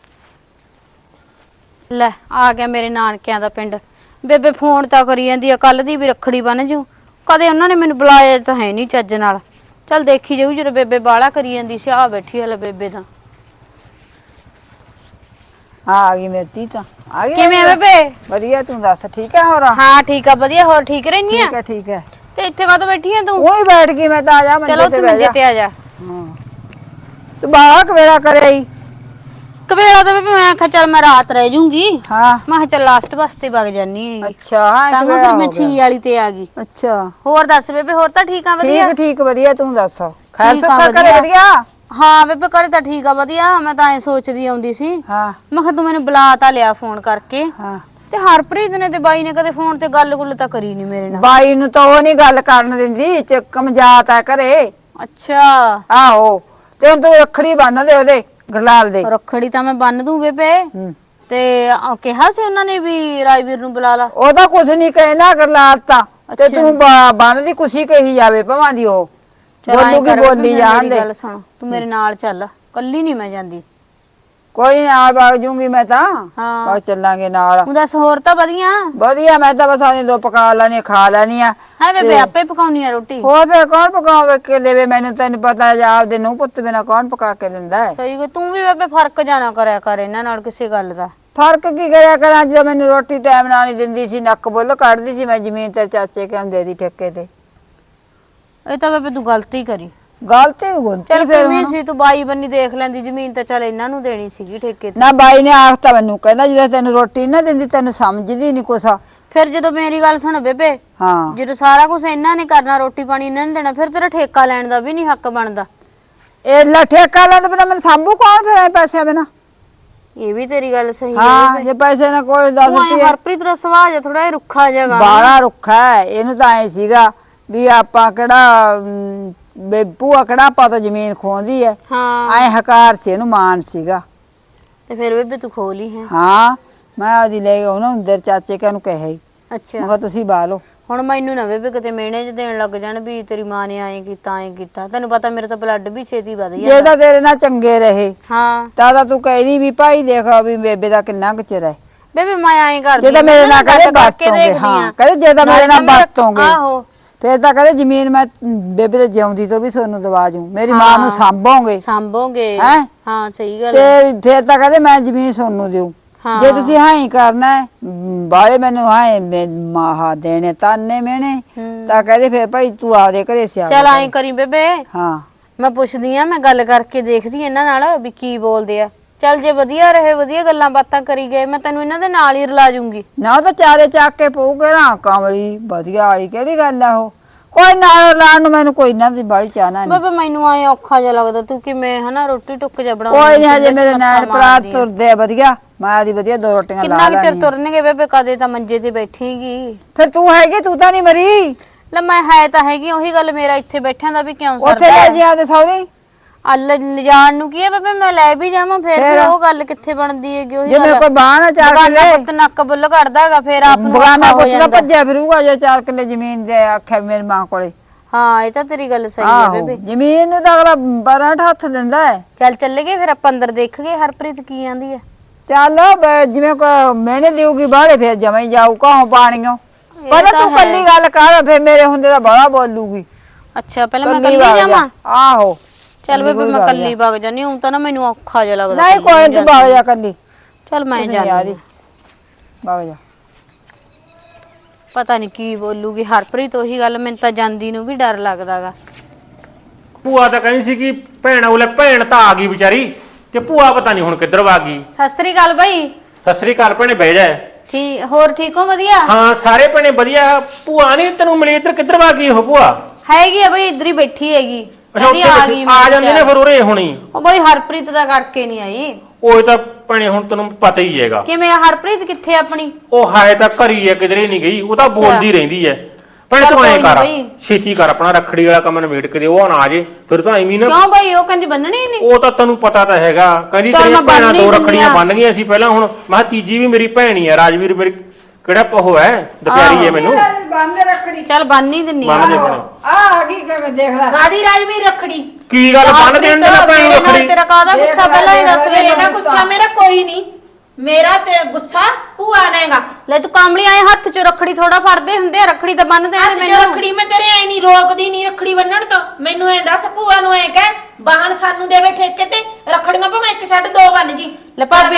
Speaker 4: ਲੈ ਆ ਗਿਆ ਮੇਰੇ ਨਾਨਕਿਆਂ ਦਾ ਪਿੰਡ। ਬੇਬੇ ਫੋਨ ਤਾਂ ਕਰੀ ਜਾਂਦੀ ਆ, ਕੱਲ ਦੀ ਵੀ ਰੱਖੜੀ ਬੰਨ ਜੂ। ਕਦੇ ਉਹਨਾਂ ਨੇ ਮੈਨੂੰ ਬੁਲਾਇਆ ਤਾਂ ਹੈ ਨਹੀਂ ਚੱਜ ਨਾਲ। ਚੱਲ ਦੇਖੀ ਜਾਊ, ਜਦੋਂ ਬੇਬੇ ਬਾਲਾ ਕਰੀ ਜਾਂਦੀ ਸੀ। ਆ ਬੈਠੀ ਹਲੇ ਬੇਬੇ ਤਾਂ।
Speaker 1: ਹਾਂ ਆ ਗਈ ਮੇਰੀ ਧੀ ਤਾਂ ਆ ਗਈ।
Speaker 4: ਕਿਵੇਂ ਆ ਬੇਬੇ?
Speaker 1: ਵਧੀਆ ਤੂੰ ਦੱਸ ਠੀਕ ਹੈ ਹੋਰ?
Speaker 4: ਹਾਂ ਠੀਕ ਆ ਵਧੀਆ। ਹੋਰ ਠੀਕ ਰਹਿਨੀ ਆ?
Speaker 1: ਠੀਕ ਹੈ
Speaker 4: ਤੇ ਇੱਥੇ ਕਾਹਤੋਂ ਬੈਠੀ ਆ ਤੂੰ?
Speaker 1: ਉਹੀ ਬੈਠ ਗਈ ਮੈਂ ਤਾਂ ਆ ਜਾ
Speaker 4: ਚਲੋ
Speaker 1: ਮੰਜੇ
Speaker 4: ਤੂੰ
Speaker 1: ਤੇ ਬਹਿ
Speaker 4: ਮੰਜੇ
Speaker 1: ਜਾ।
Speaker 4: ਤੇ ਆ ਜਾ।
Speaker 1: ਹਾਂ ਤੂੰ ਬਾਹਲਾ ਕਵੇਲਾ ਕਰਿਆ ਈ।
Speaker 4: ਕਵੇਲਾ ਤਾਂ ਬੇਬੇ ਮੈਂ ਕਿਹਾ ਚੱਲ ਮੈਂ ਰਾਤ ਰਹਿ ਜੂੰਗੀ।
Speaker 1: ਹਾਂ
Speaker 4: ਮੈਂ ਕਿਹਾ ਚੱਲ ਲਾਸਟ ਬੱਸ ਤੇ ਵਗ ਜਾਨੀ ਹੈਗੀ।
Speaker 1: ਅੱਛਾ ਹਾਂ
Speaker 4: ਤਾਂ
Speaker 1: ਕਵੇਲਾ
Speaker 4: ਫਿਰ
Speaker 1: ਹੋ
Speaker 4: ਮੈਂ
Speaker 1: ਗਿਆ।
Speaker 4: 6 ਵਾਲੀ ਤੇ ਆ ਗਈ।
Speaker 1: ਅੱਛਾ
Speaker 4: ਹੋਰ ਦੱਸ ਬੇਬੇ, ਹੋਰ ਤਾਂ ਠੀਕ ਆ ਵਧੀਆ?
Speaker 1: ਠੀਕ ਠੀਕ ਵਧੀਆ ਤੂੰ ਦੱਸ ਖੈਰ
Speaker 4: ਠੀਕ ਆ,
Speaker 1: ਸੁੱਖਾ ਕਰੇ
Speaker 4: ਵਧੀਆ।
Speaker 1: ਵਧੀਆ?
Speaker 4: ਹਾਂ ਬੇਬੇ ਘਰੇ ਤਾਂ ਠੀਕ ਆ ਵਧੀਆ। ਮੈਂ ਤਾਂ ਐ ਸੋਚਦੀ ਆਉਂਦੀ ਸੀ,
Speaker 1: ਹਾਂ
Speaker 4: ਮੈਂ ਕਿਹਾ ਤੂੰ ਮੈਨੂੰ ਬੁਲਾ ਤਾਂ ਲਿਆ ਫੋਨ ਕਰਕੇ।
Speaker 1: ਹਾਂ
Speaker 4: ਤੇ ਹਰਪ੍ਰੀਤ ਨੇ ਤੇ ਬਾਈ ਨੇ ਕਦੇ ਫੋਨ ਤੇ ਗੱਲ-ਗੁੱਲ ਤਾਂ ਕਰੀ ਨਹੀਂ ਮੇਰੇ ਨਾਲ।
Speaker 1: ਬਾਈ ਨੂੰ ਤਾਂ ਉਹ ਨਹੀਂ ਗੱਲ ਕਰਨ ਦਿੰਦੀ ਕਮਜਾਤ ਆ ਘਰੇ।
Speaker 4: ਅੱਛਾ
Speaker 1: ਆਹੋ ਤੇ ਹੁਣ ਤੂੰ ਰੱਖੜੀ ਬੰਨ ਦੇ ਉਹਦੇ ਗਰਲਾਲ ਦੇ।
Speaker 4: ਰੱਖੜੀ ਤਾਂ ਮੈਂ ਬੰਨ ਦੂੰ ਬੇਬੇ।
Speaker 1: ਹੂੰ।
Speaker 4: ਤੇ ਕਿਹਾ ਸੀ ਉਹਨਾਂ ਨੇ ਵੀ ਰਾਜਵੀਰ ਨੂੰ ਬੁਲਾ ਲਾ।
Speaker 1: ਉਹਦਾ ਕੁਛ ਨਹੀਂ ਕਹਿੰਦਾ ਗਰਲਾਲ ਤਾਂ ਤੇ
Speaker 4: ਅੱਛਾ।
Speaker 1: ਤੂੰ ਬੰਨ ਦੀ ਖੁਸ਼ੀ ਕਹੀ ਜਾਵੇ ਭਵਾਂ ਦੀ ਉਹ
Speaker 4: ਚੱਲ ਐਂ
Speaker 1: ਬੋਲੂਗੀ
Speaker 4: ਕਰ ਬੇਬੇ,
Speaker 1: ਬੋਲੀ
Speaker 4: ਫਿਰ
Speaker 1: ਜਾਣ
Speaker 4: ਮੇਰੀ
Speaker 1: ਦੇ।
Speaker 4: ਗੱਲ ਸੁਣ, ਤੂੰ ਮੇਰੇ ਨਾਲ ਚੱਲ, ਕੱਲੀ ਨਹੀਂ ਮੈਂ ਜਾਂਦੀ।
Speaker 1: ਕੋਈ ਨੀ, ਨਾਲ ਵਗ ਜੂੰਗੀ ਮੈਂ ਤਾਂ।
Speaker 4: ਹਾਂ।
Speaker 1: ਬਸ ਚੱਲਾਂਗੇ ਨਾਲ।
Speaker 4: ਤੂੰ ਦੱਸ ਹੋਰ ਤਾਂ ਵਧੀਆ?
Speaker 1: ਵਧੀਆ ਮੈਂ ਤਾਂ ਬਸ ਆਨੇ ਦੋ ਪਕਾ ਲੈਣੀ ਖਾ ਲੈਣੀ ਆ।
Speaker 4: ਹੈ ਬੇਬੇ ਆਪੇ ਪਕਾਉਣੀ ਆ ਰੋਟੀ?
Speaker 1: ਹੋਰ ਫਿਰ ਕੌਣ ਪਕਾਵੇ ਕੇ ਦੇਵੇ ਮੈਨੂੰ? ਤੈਨੂੰ ਪਤਾ ਹੈ ਆਪਦੇ ਨੂੰ ਪੁੱਤ ਬਿਨਾ ਕੌਣ ਪਕਾ ਕੇ ਦਿੰਦਾ ਹੈ?
Speaker 4: ਸਹੀ ਗੱਲ। ਤੂੰ ਵੀ ਬੇਬੇ ਫਰਕ ਜਾਣਾ ਕਰਿਆ ਕਰ ਇਹਨਾਂ ਨਾਲ ਕਿਸੇ ਗੱਲ ਦਾ।
Speaker 1: ਫਰਕ ਕੀ ਕਰਿਆ ਕਰਾਂ ਜਦੋਂ ਮੈਨੂੰ ਰੋਟੀ ਟਾਈਮ ਨਾਲ ਨਹੀਂ ਦਿੰਦੀ ਸੀ, ਨੱਕ ਬੁੱਲ ਕੱਢਦੀ ਸੀ। ਮੈਂ ਜ਼ਮੀਨ ਤੇ ਚਾਚੇ ਕੇ ਦੇ ਦੀ ਠੇਕੇ ਤੇ।
Speaker 4: ਇਹ ਤਾਂ ਬੇਬੇ ਤੂੰ ਗਲਤੀ ਕਰੀ।
Speaker 1: ਗਲਤੀ ਗੁੰਤੀ
Speaker 4: ਚੱਲ
Speaker 1: ਫਿਰ
Speaker 4: ਕਿਵੇਂ
Speaker 1: ਹੁਣ।
Speaker 4: ਸੀ ਤੂੰ ਬਾਈ ਬੰਨੀ ਦੇਖ ਲੈਂਦੀ, ਜ਼ਮੀਨ ਤਾਂ ਚੱਲ ਇਹਨਾਂ ਨੂੰ ਦੇਣੀ ਸੀਗੀ ਠੇਕੇ ਤੇ।
Speaker 1: ਨਾ ਬਾਈ ਨੇ ਆਖਤਾ ਮੈਨੂੰ, ਕਹਿੰਦਾ ਜਦੋਂ ਤੈਨੂੰ ਰੋਟੀ ਨਾ ਦਿੰਦੀ ਤੈਨੂੰ ਸਮਝਦੀ ਨਹੀਂ ਕੁਛ।
Speaker 4: ਫਿਰ ਜਦੋਂ ਮੇਰੀ ਗੱਲ ਸੁਣ ਬੇਬੇ,
Speaker 1: ਹਾਂ
Speaker 4: ਜਦੋਂ ਸਾਰਾ ਕੁਝ ਇਹਨਾਂ ਨੇ ਕਰਨਾ, ਰੋਟੀ ਪਾਣੀ ਇਹਨਾਂ ਨੇ ਦੇਣਾ, ਫਿਰ ਤੇਰਾ ਠੇਕਾ ਲੈਣ ਦਾ ਵੀ ਨਹੀਂ ਹੱਕ ਬਣਦਾ।
Speaker 1: ਇਹ ਲੈ ਠੇਕਾ ਲੈਂਦਾ ਬਿਨਾ ਮੈਨੂੰ ਸਾਂਭੂ ਕੌਣ ਫਿਰ ਐ ਪੈਸਿਆਂ ਬਿਨਾ?
Speaker 4: ਇਹ ਵੀ ਤੇਰੀ ਗੱਲ ਸਹੀ ਹੈ
Speaker 1: ਹਾਂ
Speaker 4: ਬੇਬੇ।
Speaker 1: ਜੇ ਪੈਸੇ ਨਾ ਕੋਈ 10
Speaker 4: ਤੂੰ ਐਂ
Speaker 1: ਰੁਪਏ
Speaker 4: ਹਰਪ੍ਰੀਤ ਦਾ ਸੁਭਾਅ ਜਿਹਾ ਥੋੜਾ ਜਿਹਾ ਰੁੱਖਾ ਜਿਹਾ
Speaker 1: ਬਾਲਾ ਰੁੱਖਾ ਹੈ। ਇਹਨੂੰ ਤਾਂ ਐ ਸੀਗਾ ਵੀ ਆਪਾਂ ਕਿਹੜਾ ਭੂਆ ਕਿਹੜਾ ਆਪਾਂ ਤੋਂ ਜ਼ਮੀਨ ਖੋਹਦੀ ਐ।
Speaker 4: ਹਾਂ
Speaker 1: ਐ ਹਕਾਰ ਸੀ ਇਹਨੂੰ, ਮਾਨ ਸੀਗਾ।
Speaker 4: ਤੇ ਫਿਰ ਬੇਬੇ ਤੂੰ ਖੋਲੀ ਹੈ?
Speaker 1: ਹਾਂ ਮੈਂ ਉਹਦੀ ਲੈ ਉਹਨੂੰ ਅੰਦਰ ਚਾਚੇ ਕੇ ਨੂੰ ਕਹੇ ਮੈਂ
Speaker 4: ਅੱਛਾ
Speaker 1: ਕਿਹਾ ਤੁਸੀਂ ਬਾਲੋ।
Speaker 4: ਹੁਣ ਮੈਨੂੰ ਨਾ ਬੇਬੇ ਕਿਤੇ ਮਿਹਣੇ ਚ ਦੇਣ ਲੱਗ ਜਾਣ ਵੀ ਤੇਰੀ ਮਾਂ ਨੇ ਐਂ ਕੀਤਾ। ਤੈਨੂੰ ਪਤਾ ਮੇਰੇ ਤਾਂ ਬਲੱਡ ਵੀ ਛੇਤੀ ਵਧ
Speaker 1: ਜੇ
Speaker 4: ਜਾਂਦਾ।
Speaker 1: ਤਾਂ ਤੇਰੇ ਨਾਲ ਚੰਗੇ ਰਹੇ
Speaker 4: ਹਾਂ
Speaker 1: ਤਾਂ ਤੂੰ ਕਹਿਦੀ ਵੀ ਭਾਈ ਦੇਖ ਵੀ ਬੇਬੇ ਦਾ ਕਿੰਨਾ ਕੁ ਚਿਰ ਹੈ।
Speaker 4: ਬੇਬੇ ਮੈਂ ਐਂ ਕਰਦੀ
Speaker 1: ਜੇ ਤਾਂ ਮੇਰੇ ਨਾਲ ਕਦੇ ਵਰਤੋਂਗੇ, ਹਾਂ ਕਹਿੰਦੇ ਜੇ ਤਾਂ ਮੇਰੇ ਨਾਲ ਵਰਤੋਂਗੇ
Speaker 4: ਆਹੋ
Speaker 1: ਫੇਰ ਤਾਂ ਕਹਿੰਦੇ ਜ਼ਮੀਨ ਮੈਂ ਬੇਬੇ ਦੇ ਜਿਉਂਦੀ ਤੋਂ ਵੀ ਤੁਹਾਨੂੰ ਦਵਾ ਜੂ, ਮੇਰੀ ਮਾਂ ਨੂੰ ਸਾਂਭੋਗੇ
Speaker 4: ਸਾਂਭੋਗੇ।
Speaker 1: ਹੈਂ?
Speaker 4: ਹਾਂ ਸਹੀ ਗੱਲ ਹੈ।
Speaker 1: ਤੇ ਫੇਰ ਤਾਂ ਕਹਿੰਦੇ ਮੈਂ ਜ਼ਮੀਨ ਤੁਹਾਨੂੰ ਦਿਉ।
Speaker 4: ਹਾਂ।
Speaker 1: ਜੇ ਤੁਸੀਂ ਹਾਂ ਹੀ ਕਰਨਾ ਹੈ ਬਾਲੇ ਮੈਨੂੰ ਹਾਂ ਮਾਹਾ ਦੇਣੇ ਤਾਨੇ ਮਿਹਣੇ ਤਾਂ ਕਹਿੰਦੇ ਫੇਰ ਭਾਈ ਤੂੰ ਆਪਦੇ ਘਰੇ ਸਿਆ
Speaker 4: ਚੱਲ ਐਂ ਕਰੀ ਬੇਬੇ,
Speaker 1: ਹਾਂ
Speaker 4: ਮੈਂ ਪੁੱਛਦੀ ਆ, ਮੈਂ ਗੱਲ ਕਰਕੇ ਦੇਖਦੀ ਆ ਇਹਨਾਂ ਨਾਲ ਵੀ ਕੀ ਬੋਲਦੇ ਆ। ਚੱਲ ਜੇ ਵਧੀਆ ਰਹੇ, ਵਧੀਆ ਗੱਲਾਂ ਬਾਤਾਂ ਕਰੀ ਗਏ, ਮੈਂ ਤੈਨੂੰ ਇਹਨਾਂ ਦੇ ਨਾਲ ਹੀ ਰਲਾ ਜੂੰਗੀ।
Speaker 1: ਨਾ ਉਹ ਤਾਂ ਚਾਰੇ ਚੱਕ ਕੇ ਪਊਗੇ ਨਾ ਕਮਲੀ ਵਧੀਆ ਵਾਲੀ ਕਿਹੜੀ ਗੱਲ ਆ ਉਹ। ਕੋਈ ਨਾਲ ਲਾਣ ਨੂੰ ਮੈਨੂੰ ਕੋਈ ਨਾ ਦੀ ਬਾਲੀ ਚਾਹਨਾ ਨਹੀਂ।
Speaker 4: ਬੇਬੇ ਮੈਨੂੰ ਐ ਔਖਾ ਜਿਹਾ ਲੱਗਦਾ, ਤੂੰ ਕਿਵੇਂ ਹਨਾ ਰੋਟੀ ਟੁੱਕ ਜਾ ਬਣਾਉਂਦੀ।
Speaker 1: ਕੋਈ ਨਹੀਂ ਹਜੇ ਮੇਰੇ ਨੈਣ ਭਰਾ ਤੁਰਦੇ ਆ ਵਧੀਆ, ਮੈਂ ਆਦੀ ਵਧੀਆ ਦੋ ਰੋਟੀਆਂ ਲਾ
Speaker 4: ਕਿੰਨਾ ਕੁ ਚਿਰ
Speaker 1: ਲੈਣੀਆਂ।
Speaker 4: ਤੁਰਨਗੇ ਬੇਬੇ? ਕਦੇ ਤਾਂ ਮੰਜੇ ਤੇ ਬੈਠੀਗੀ।
Speaker 1: ਫਿਰ ਤੂੰ ਹੈਗੀ, ਤੂੰ ਤਾਂ ਨਹੀਂ ਮਰੀ।
Speaker 4: ਲੈ ਮੈਂ ਹੈ ਤਾਂ ਹੈਗੀ, ਉਹੀ ਗੱਲ ਮੇਰਾ ਇੱਥੇ ਬੈਠਿਆਂ ਦਾ ਵੀ ਕਿਉਂ
Speaker 1: ਉੱਥੇ
Speaker 4: ਸਰਦਾ
Speaker 1: ਲੈ
Speaker 4: ਹੈ?
Speaker 1: ਜੀ ਆਦੇ ਸੌਰੀ
Speaker 4: ਲਿਜਾਣ ਨੂੰ ਕੀ ਹੈ ਬੇਬੇ, ਮੈਂ ਲੈ ਵੀ ਜਾਵਾਂ ਫਿਰ ਵੀ ਉਹ ਗੱਲ ਕਿੱਥੇ ਬਣਦੀ ਹੈਗੀ। ਉਹੀ
Speaker 1: ਜਿਵੇਂ
Speaker 4: ਗੱਲ
Speaker 1: ਕੋਈ ਬਾਹਰ ਚਾਰ
Speaker 4: ਬਗਾਨਾ
Speaker 1: ਕਿੱਲੇ
Speaker 4: ਪੁੱਤ ਨੱਕ ਬੁੱਲ ਕੱਢਦਾਗਾ, ਫਿਰ ਆਪ ਨੂੰ
Speaker 1: ਬਗਾਨਾ
Speaker 4: ਔਖਾ ਹੋ
Speaker 1: ਪੁੱਤ ਦਾ
Speaker 4: ਜਾਂਦਾ।
Speaker 1: ਭੱਜਿਆ ਫਿਰੂਗਾ ਜੇ 4 ਕਿੱਲੇ ਜ਼ਮੀਨ ਦੇ ਆਖਿਆ ਮੇਰੀ ਮਾਂ ਕੋਲੇ।
Speaker 4: ਹਾਂ ਇਹ ਤਾਂ ਤੇਰੀ ਗੱਲ ਸਹੀ ਹੈ
Speaker 1: ਆਹੋ
Speaker 4: ਬੇਬੇ।
Speaker 1: ਜ਼ਮੀਨ ਨੂੰ ਤਾਂ ਅਗਲਾ 12 ਹੱਥ ਦਿੰਦਾ ਹੈ।
Speaker 4: ਚੱਲ ਚੱਲੇਗੇ ਫਿਰ ਆਪਾਂ ਅੰਦਰ ਦੇਖ ਗਏ ਹਰਪ੍ਰੀਤ ਕੀ ਆਂਦੀ ਹੈ।
Speaker 1: ਚੱਲ ਜਿਵੇਂ ਕੋ ਮੈਨੇ ਦੇਊਗੀ ਬਾਹਲੇ ਫਿਰ ਜਮਾਂ ਹੀ ਜਾਊ ਕਹੋਂ ਪਾਣੀਓ। ਪਹਿਲਾਂ
Speaker 4: ਤਾਂ
Speaker 1: ਤੂੰ
Speaker 4: ਹੈ।
Speaker 1: ਕੱਲੀ ਗੱਲ ਕਰ, ਫਿਰ ਮੇਰੇ ਹੁੰਦੇ ਤਾਂ ਬੜਾ ਬੋਲੂਗੀ।
Speaker 4: ਅੱਛਾ ਪਹਿਲਾਂ ਮੈਂ
Speaker 1: ਕੱਲੀ
Speaker 4: ਕੱਲੀ
Speaker 1: ਵਗ ਜਾ।
Speaker 4: ਜਾਵਾਂ?
Speaker 1: ਆਹੋ
Speaker 4: ਚੱਲ ਬੇਬੇ ਮੈਂ ਕੱਲੀ ਵਗ ਜਾਨੀ, ਹੁਣ ਤਾਂ ਨਾ ਮੈਨੂੰ ਔਖਾ ਜਿਹਾ ਲੱਗਦਾ।
Speaker 1: ਨਹੀਂ ਕੋਈ ਤੂੰ ਵਗ ਜਾ ਕੱਲੀ।
Speaker 4: ਚੱਲ ਮੈਂ
Speaker 1: ਕੁਛ ਨੀ
Speaker 4: ਜਾਨੀ
Speaker 1: ਵਗ ਜਾ।
Speaker 4: ਪਤਾ ਨਹੀਂ ਕੀ ਬੋਲੂਗੀ ਹਰਪ੍ਰੀਤ, ਉਹੀ ਗੱਲ ਮੈਨੂੰ ਤਾਂ ਜਾਂਦੀ ਨੂੰ ਵੀ ਡਰ ਲੱਗਦਾਗਾ।
Speaker 3: ਭੂਆ ਤਾਂ ਕਹਿੰਦੀ ਸੀ ਕਿ ਭੈਣ ਉਹਲੇ ਭੈਣ ਤਾਂ ਆ ਗਈ ਵਿਚਾਰੀ, ਤੇ ਭੂਆ ਪਤਾ ਨਹੀਂ ਹੁਣ ਕਿੱਧਰ ਵਾ ਗਈ।
Speaker 4: ਸਤਿ ਸ੍ਰੀ ਅਕਾਲ ਬਾਈ।
Speaker 3: ਸਤਿ ਸ੍ਰੀ ਅਕਾਲ ਭੈਣੇ, ਬਹਿ ਜਾ।
Speaker 4: ਠੀਕ ਹੋਰ ਠੀਕ ਹੋ? ਵਧੀਆ
Speaker 3: ਹਾਂ ਸਾਰੇ ਭੈਣੇ ਵਧੀਆ। ਭੂਆ ਨਹੀਂ ਤੈਨੂੰ ਮਿਲੀ, ਇੱਧਰ ਕਿੱਧਰ ਵਾ ਗਈ ਉਹ ਭੂਆ?
Speaker 4: ਹੈਗੀ ਆ ਬਈ, ਇੱਧਰ ਹੀ ਬੈਠੀ ਹੈਗੀ।
Speaker 3: ਅੱਛਾ ਉੱਥੇ ਬੈਠੀ, ਆ ਜਾਂਦੇ ਨੇ ਫਿਰ ਉਰੇ ਹੁਣੀ।
Speaker 4: ਉਹ ਬਈ ਹਰਪ੍ਰੀਤ ਦਾ ਕਰਕੇ ਨਹੀਂ ਆਈ।
Speaker 3: ਉਹ ਤਾਂ ਭੈਣੇ ਹੁਣ ਤੈਨੂੰ ਪਤਾ ਹੀ ਹੈਗਾ।
Speaker 4: ਕਿਵੇਂ ਹਰਪ੍ਰੀਤ ਕਿੱਥੇ ਆਪਣੀ?
Speaker 3: ਉਹ ਹਾਏ ਤਾਂ ਘਰੀ ਹੈ, ਕਿਧਰੇ ਨਹੀਂ ਗਈ। ਉਹ ਤਾਂ ਬੋਲਦੀ ਰਹਿੰਦੀ ਹੈ। ਭੈਣੇ ਤੂੰ ਐਂ ਕਰ, ਛੇਤੀ ਕਰ ਆਪਣਾ ਰੱਖੜੀ ਵਾਲਾ ਕੰਮ ਨਿਬੇੜ ਕੇ ਦੇ, ਉਹ ਨਾ ਆ ਜੇ ਫਿਰ ਤਾਂ ਐਵੇਂ ਨਾ।
Speaker 4: ਕਿਉਂ ਬਈ ਉਹ ਕਹਿੰਦੀ ਬੰਨਣੀ ਨਹੀਂ?
Speaker 3: ਉਹ ਤਾਂ ਤੈਨੂੰ ਪਤਾ ਤਾਂ ਹੈਗਾ, ਕਹਿੰਦੀ ਤੇਰੀਆਂ ਭੈਣਾਂ ਦੋ ਰੱਖੜੀਆਂ ਬੰਨ ਗਈਆਂ ਸੀ ਪਹਿਲਾਂ, ਹੁਣ ਮੈਂ ਕਿਹਾ ਤੀਜੀ ਵੀ ਮੇਰੀ ਭੈਣ ਹੀ ਹੈ। ਰਾਜਵੀਰ ਮੇਰੀ ਕਿਹੜਾ ਪਹੋ ਹੈ, ਦੁਪਿਆਰੀ ਹੈ ਮੈਨੂੰ।
Speaker 1: ਬੰਦੇ ਰੱਖੜੀ
Speaker 4: ਚੱਲ ਬੰਨ ਹੀ ਦਿੰਨੀ
Speaker 3: ਬੰਨ ਦੇ ਭੈਣੇ।
Speaker 1: ਆ ਗਈ ਕਿ ਦੇਖ ਲੈ
Speaker 2: ਕਾਦੀ ਰਾਜਵੀਰ ਰੱਖੜੀ?
Speaker 3: ਕੀ ਗੱਲ ਬੰਨ ਦੇਣ ਦੇ ਨਾ ਭੈਣ ਨੂੰ ਰੱਖੜੀ?
Speaker 4: ਤੇਰਾ ਕਾਹਦਾ ਗੁੱਸਾ ਪਹਿਲਾਂ ਹੀ ਦੱਸ ਦੇ।
Speaker 2: ਇਹਦਾ ਗੁੱਸਾ ਮੇਰਾ ਕੋਈ ਨਹੀਂ, ਮੇਰਾ ਤੇ ਗੁੱਸਾ ਭੂਆ ਨੇਗਾ।
Speaker 4: ਲੈ ਤੂੰ ਕਾਮਲੀ ਆਏ ਹੱਥ 'ਚ ਰੱਖੜੀ ਥੋੜਾ ਫੜਦੇ ਹੁੰਦੇ ਆ, ਰੱਖੜੀ ਤਾਂ ਬੰਨ ਦੇਣ
Speaker 2: ਅੱਜ ਜੋ ਰੱਖੜੀ ਮੈਂ ਤੇਰੇ ਐ ਨਹੀਂ ਰੋਕਦੀ, ਨਹੀਂ ਰੱਖੜੀ ਬੰਨਣ ਤੋਂ। ਮੈਨੂੰ ਐ ਦੱਸ ਭੂਆ ਨੂੰ ਐ ਕਹਿ ਬਾਹਨ ਸਾਨੂੰ ਦੇਵੇ ਠੇਕੇ ਤੇ, ਰੱਖੜੀਆਂ ਭਾਵੇਂ ਇੱਕ ਛੱਡ ਦੋ ਬੰਨ ਜੀ।
Speaker 4: ਲੈ ਭਾਬੀ